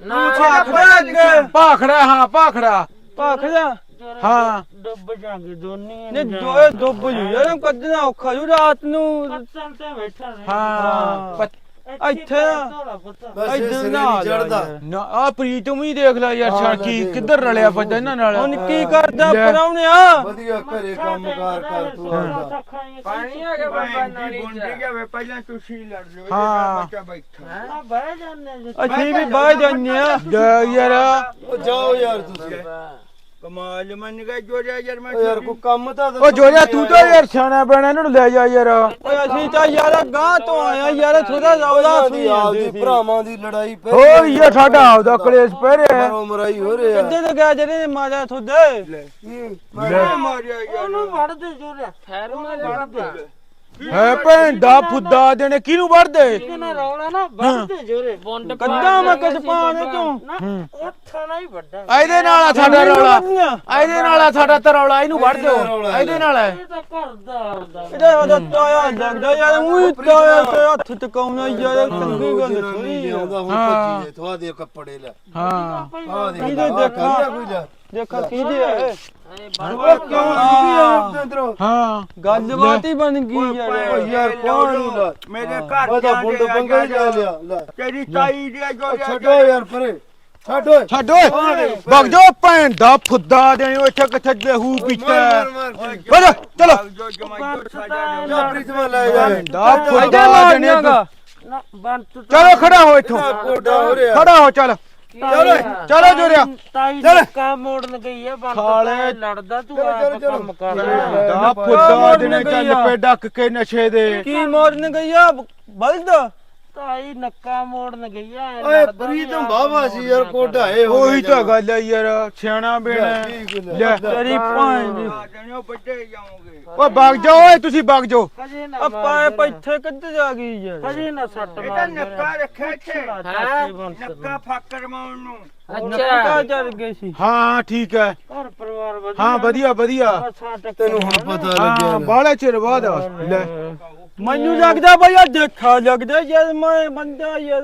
Speaker 4: ਭਾਖੜਾ ਹਾਂ ਭਾਖੜਾ
Speaker 5: ਭਾਖਦਾ
Speaker 4: ਹਾਂ
Speaker 6: ਡੁੱਬ ਜਾਗੇ ਦੋਨੇ
Speaker 5: ਨੇ ਦੋਏ ਡੁੱਬ ਜੂ ਯਾਰ ਕੱਢਣਾ ਔਖਾ ਜੂ ਰਾਤ ਨੂੰ
Speaker 6: ਪੱਤਨ ਤੇ ਬੈਠਾ ਰਹੇ
Speaker 4: ਹਾਂ
Speaker 5: ਇੱਥੇ
Speaker 3: ਬਸ ਇਹ
Speaker 5: ਇੱਧਰ
Speaker 3: ਸਿਰੇ
Speaker 5: ਨਾ
Speaker 3: ਨਹੀਂ ਚੜਦਾ
Speaker 4: ਨਾ ਆ ਪ੍ਰੀਤਮ ਹੀ ਦੇਖ ਲੈ ਯਾਰ ਛਾ ਕੀ ਕਿੱਧਰ ਰਲਿਆ ਬੱਜਾ ਇਹਨਾਂ ਨਾਲ
Speaker 5: ਹੁਣ ਕੀ ਕਰਦਾ
Speaker 4: ਲੈ।
Speaker 5: ਪਰਾਉਣਿਆ
Speaker 3: ਵਧੀਆ ਘਰੇ ਕੰਮਕਾਰ ਕਰ ਤੂੰ ਆਉਂਦਾ
Speaker 6: ਪਾਣੀ ਆ ਗਿਆ ਬਾਬਾ ਨਾਲੀ
Speaker 2: ਗੁੰਡੀ
Speaker 6: ਚ
Speaker 2: ਜਾਵੇ ਪਹਿਲਾਂ ਤੁਸੀਂ ਲੜ ਲਿਓ
Speaker 4: ਹਾਂ।
Speaker 2: ਬੱਚਾ ਬੈਠਾ
Speaker 6: ਆ ਬਹਿ ਜਾਂਦੇ
Speaker 5: ਅਸੀਂ ਵੀ ਬਾਹਰ ਜਾਂਦੇ ਆ
Speaker 4: ਯਾਰ
Speaker 3: ਉਹ ਜਾਓ ਯਾਰ ਤੁਸੀਂ
Speaker 2: ਕਮਾਲ ਮੰਨ ਗਏ ਜੋੜਿਆ ਯਾਰ ਮੈਂ
Speaker 3: ਓ ਯਾਰ ਕੋਈ ਕੰਮ ਤਾਂ
Speaker 4: ਉਹ ਜੋਰਿਆ ਤੂੰ ਤਾਂ ਯਾਰ ਸਿਆਣਾ ਬਣਾ ਇਹਨਾਂ ਨੂੰ ਲੈ ਜਾ ਯਾਰ
Speaker 5: ਓਏ ਅਸੀਂ ਤਾਂ ਯਾਰ ਗਾਂ ਤੋਂ ਆਇਆ ਯਾਰ ਥੋੜਾ ਰੌਲਾ
Speaker 3: ਆਪਦੀ
Speaker 5: ਸੀ
Speaker 3: ਆਪਦੀ ਭਰਾਵਾਂ ਦੀ ਲੜਾਈ ਪੈ
Speaker 4: ਓ ਇਹ ਸਾਡਾ ਆਪਦਾ ਕਲੇਸ਼ ਪੈ ਰਿਹਾ
Speaker 3: ਮਰੋ ਮਰਾਈ ਹੋ ਰਿਹਾ
Speaker 5: ਕਿੱਦੇ ਤੇ ਗਿਆ ਜਿਹੜੇ ਨੇ ਮਾਰਿਆ ਤੁਹਾਡੇ
Speaker 2: ਮੈਂ ਮਾਰਿਆ ਯਾਰ
Speaker 6: ਉਹਨੂੰ ਵੜਦੇ ਜੋਰਿਆ ਖੈਰ ਵੜਦੇ
Speaker 4: ਹੈ ਭੈਣ ਦਾ ਫੁੱਦਾ ਦੇਣੇ ਕਿਹਨੂੰ ਵੜਦੇ
Speaker 6: ਕਿਹਨਾਂ ਰੌਲਾ ਨਾ ਵੜਦੇ ਜੋਰੇ ਬੁੰਡ
Speaker 5: ਕੱਦਾਂ ਮੈਂ ਕਦ ਪਾਣੇ ਤੂੰ
Speaker 6: ਉੱਥੇ ਥਾਣਾ ਹੀ ਵੱਡਾ
Speaker 4: ਇਹਦੇ ਨਾਲ ਆ ਸਾਡਾ ਰੌਲਾ, ਇਹਦੇ ਨਾਲ ਆ ਸਾਡਾ ਤਾਂ ਰੌਲਾ, ਇਹਨੂੰ ਵੜ ਦਿਓ, ਇਹਦੇ ਨਾਲ ਹੈ।
Speaker 6: ਇਹ ਤਾਂ ਘਰ ਦਾ ਆਉਂਦਾ
Speaker 5: ਇਹਦਾ ਉਹਦਾ ਤਾਇਆ ਲੱਗਦਾ ਯਾਰ ਉਹੀ ਤਾਇਆ ਤੇ ਹੱਥ ਟਿਕਾਉਣਾ ਯਾਰ ਚੰਗੀ ਗੱਲ ਥੋੜੀ
Speaker 3: ਆਉਂਦਾ ਹੁਣ ਭੱਜੀ ਜੇ ਥਵਾ ਦੇ ਕੱਪੜੇ ਲੈ
Speaker 4: ਹਾਂ
Speaker 3: ਆ ਦੇ
Speaker 5: ਇਹਦੇ ਦੇਖਾ
Speaker 3: ਕੋਈ ਲੈ
Speaker 5: ਦੇਖਾ ਕਿਹਦੇ ਆ
Speaker 4: ਹਾਂ
Speaker 5: ਗੱਲਬਾਤ ਹੀ ਬਣ ਗਈ ਯਾਰ
Speaker 3: ਯਾਰ ਕੌਣ ਨੂੰ ਲੈ
Speaker 2: ਮੇਰੇ ਘਰ
Speaker 3: ਉਹਦਾ ਬੁੰਡ ਬੰਗਾ ਜਾ ਲਿਆ ਲੈ
Speaker 2: ਤੇਰੀ ਤਾਈ ਦੀ ਜੋ
Speaker 3: ਛੱਡੋ ਯਾਰ ਪਰੇ ਛੱਡ ਓਏ
Speaker 4: ਛੱਡ ਓਏ ਵਗ ਜਾ ਭੈਣ ਦਾ ਫੁੱਦਾ ਦੇ ਇੱਥੇ ਕਿੱਥੇ ਲਹੂ ਪੀਤਾ
Speaker 3: ਮਾਰ
Speaker 4: ਵਗ ਚਲੋ
Speaker 2: ਜੋ ਜਮਾਈ ਤੋਂ ਸਾਜਾ
Speaker 3: ਜਾ ਪ੍ਰੀਤਮਾ ਲੈ ਜਾ
Speaker 4: ਦਾ ਫੁੱਦਾ ਦੇਣੇ
Speaker 6: ਨਾ ਬੰਤ
Speaker 4: ਚਲੋ ਖੜਾ ਹੋ ਇੱਥੋਂ,
Speaker 3: ਕੋਡਾ ਹੋ ਰਿਹਾ
Speaker 4: ਖੜਾ ਹੋ ਚੱਲ ਚਲੋ ਜੋਰਿਆ
Speaker 6: ਤਾਈ ਨੱਕਾ ਮੋੜਨ ਗਈ ਆ ਬੰਤ ਤਾਂ ਲੜਦਾ ਤੂੰ ਆਪ ਕੰਮ ਕਰ
Speaker 4: ਦਾ ਫੁੱਦਾ ਦੇਣੇ ਚੱਲ ਪੇ ਡੱਕ ਕੇ ਨਸ਼ੇ ਦੇ
Speaker 5: ਕੀ ਮਾਰਨ ਗਈ ਆ ਬਲਦ
Speaker 6: ਤਾਈ ਨੱਕਾ ਮੋੜਨ ਗਈ ਆ
Speaker 3: ਓਏ ਪ੍ਰੀਤਮ ਬਾਬਾ ਸੀ ਯਾਰ ਕੋਢਾਏ ਹੋ
Speaker 4: ਉਹੀ ਤਾਂ ਗੱਲ ਹੈ ਯਾਰ, ਸਿਆਣਾ ਬੇਣਾ ਲੈ
Speaker 5: ਤੇਰੀ ਭੈਣ ਦੀ
Speaker 2: ਜਣਿਓ ਵੱਡੇ ਜਾਓਗੇ
Speaker 4: ਓਏ ਵਗ ਜਾਓ ਓਏ, ਤੁਸੀਂ ਵਗ ਜਾਓ।
Speaker 6: ਕਜੇ ਨਾ
Speaker 5: ਆਪਾਂ ਇੱਥੇ ਕਿੱਥੇ ਜਾ ਗਈ ਯਾਰ
Speaker 6: ਕਜੇ ਨਾ ਸੱਟ
Speaker 2: ਇਹਦਾ
Speaker 6: ਮਾਰ
Speaker 2: ਨੱਕਾ ਰੱਖਿਆ ਇੱਥੇ ਨੱਕਾ ਫਾਕਰ ਮਾਉਣ ਨੂੰ
Speaker 5: ਨੱਕਾ ਚੱਲ ਗਈ ਸੀ
Speaker 4: ਹਾਂ ਠੀਕ ਹੈ,
Speaker 6: ਘਰ ਪਰਿਵਾਰ ਵਧੀਆ
Speaker 4: ਹਾਂ ਵਧੀਆ ਵਧੀਆ।
Speaker 3: ਤੈਨੂੰ ਹੁਣ ਪਤਾ ਲੱਗਿਆ
Speaker 4: ਹਾਂ ਬਾਲੇ ਚਿਰ ਬਾਅਦ ਲੈ
Speaker 5: ਮੈਨੂੰ ਲੱਗਦਾ ਬਈ ਆ ਦੇਖਾ ਲੱਗਦਾ ਯਾਰ ਮੈਂ ਬੰਦਾ ਯਾਰ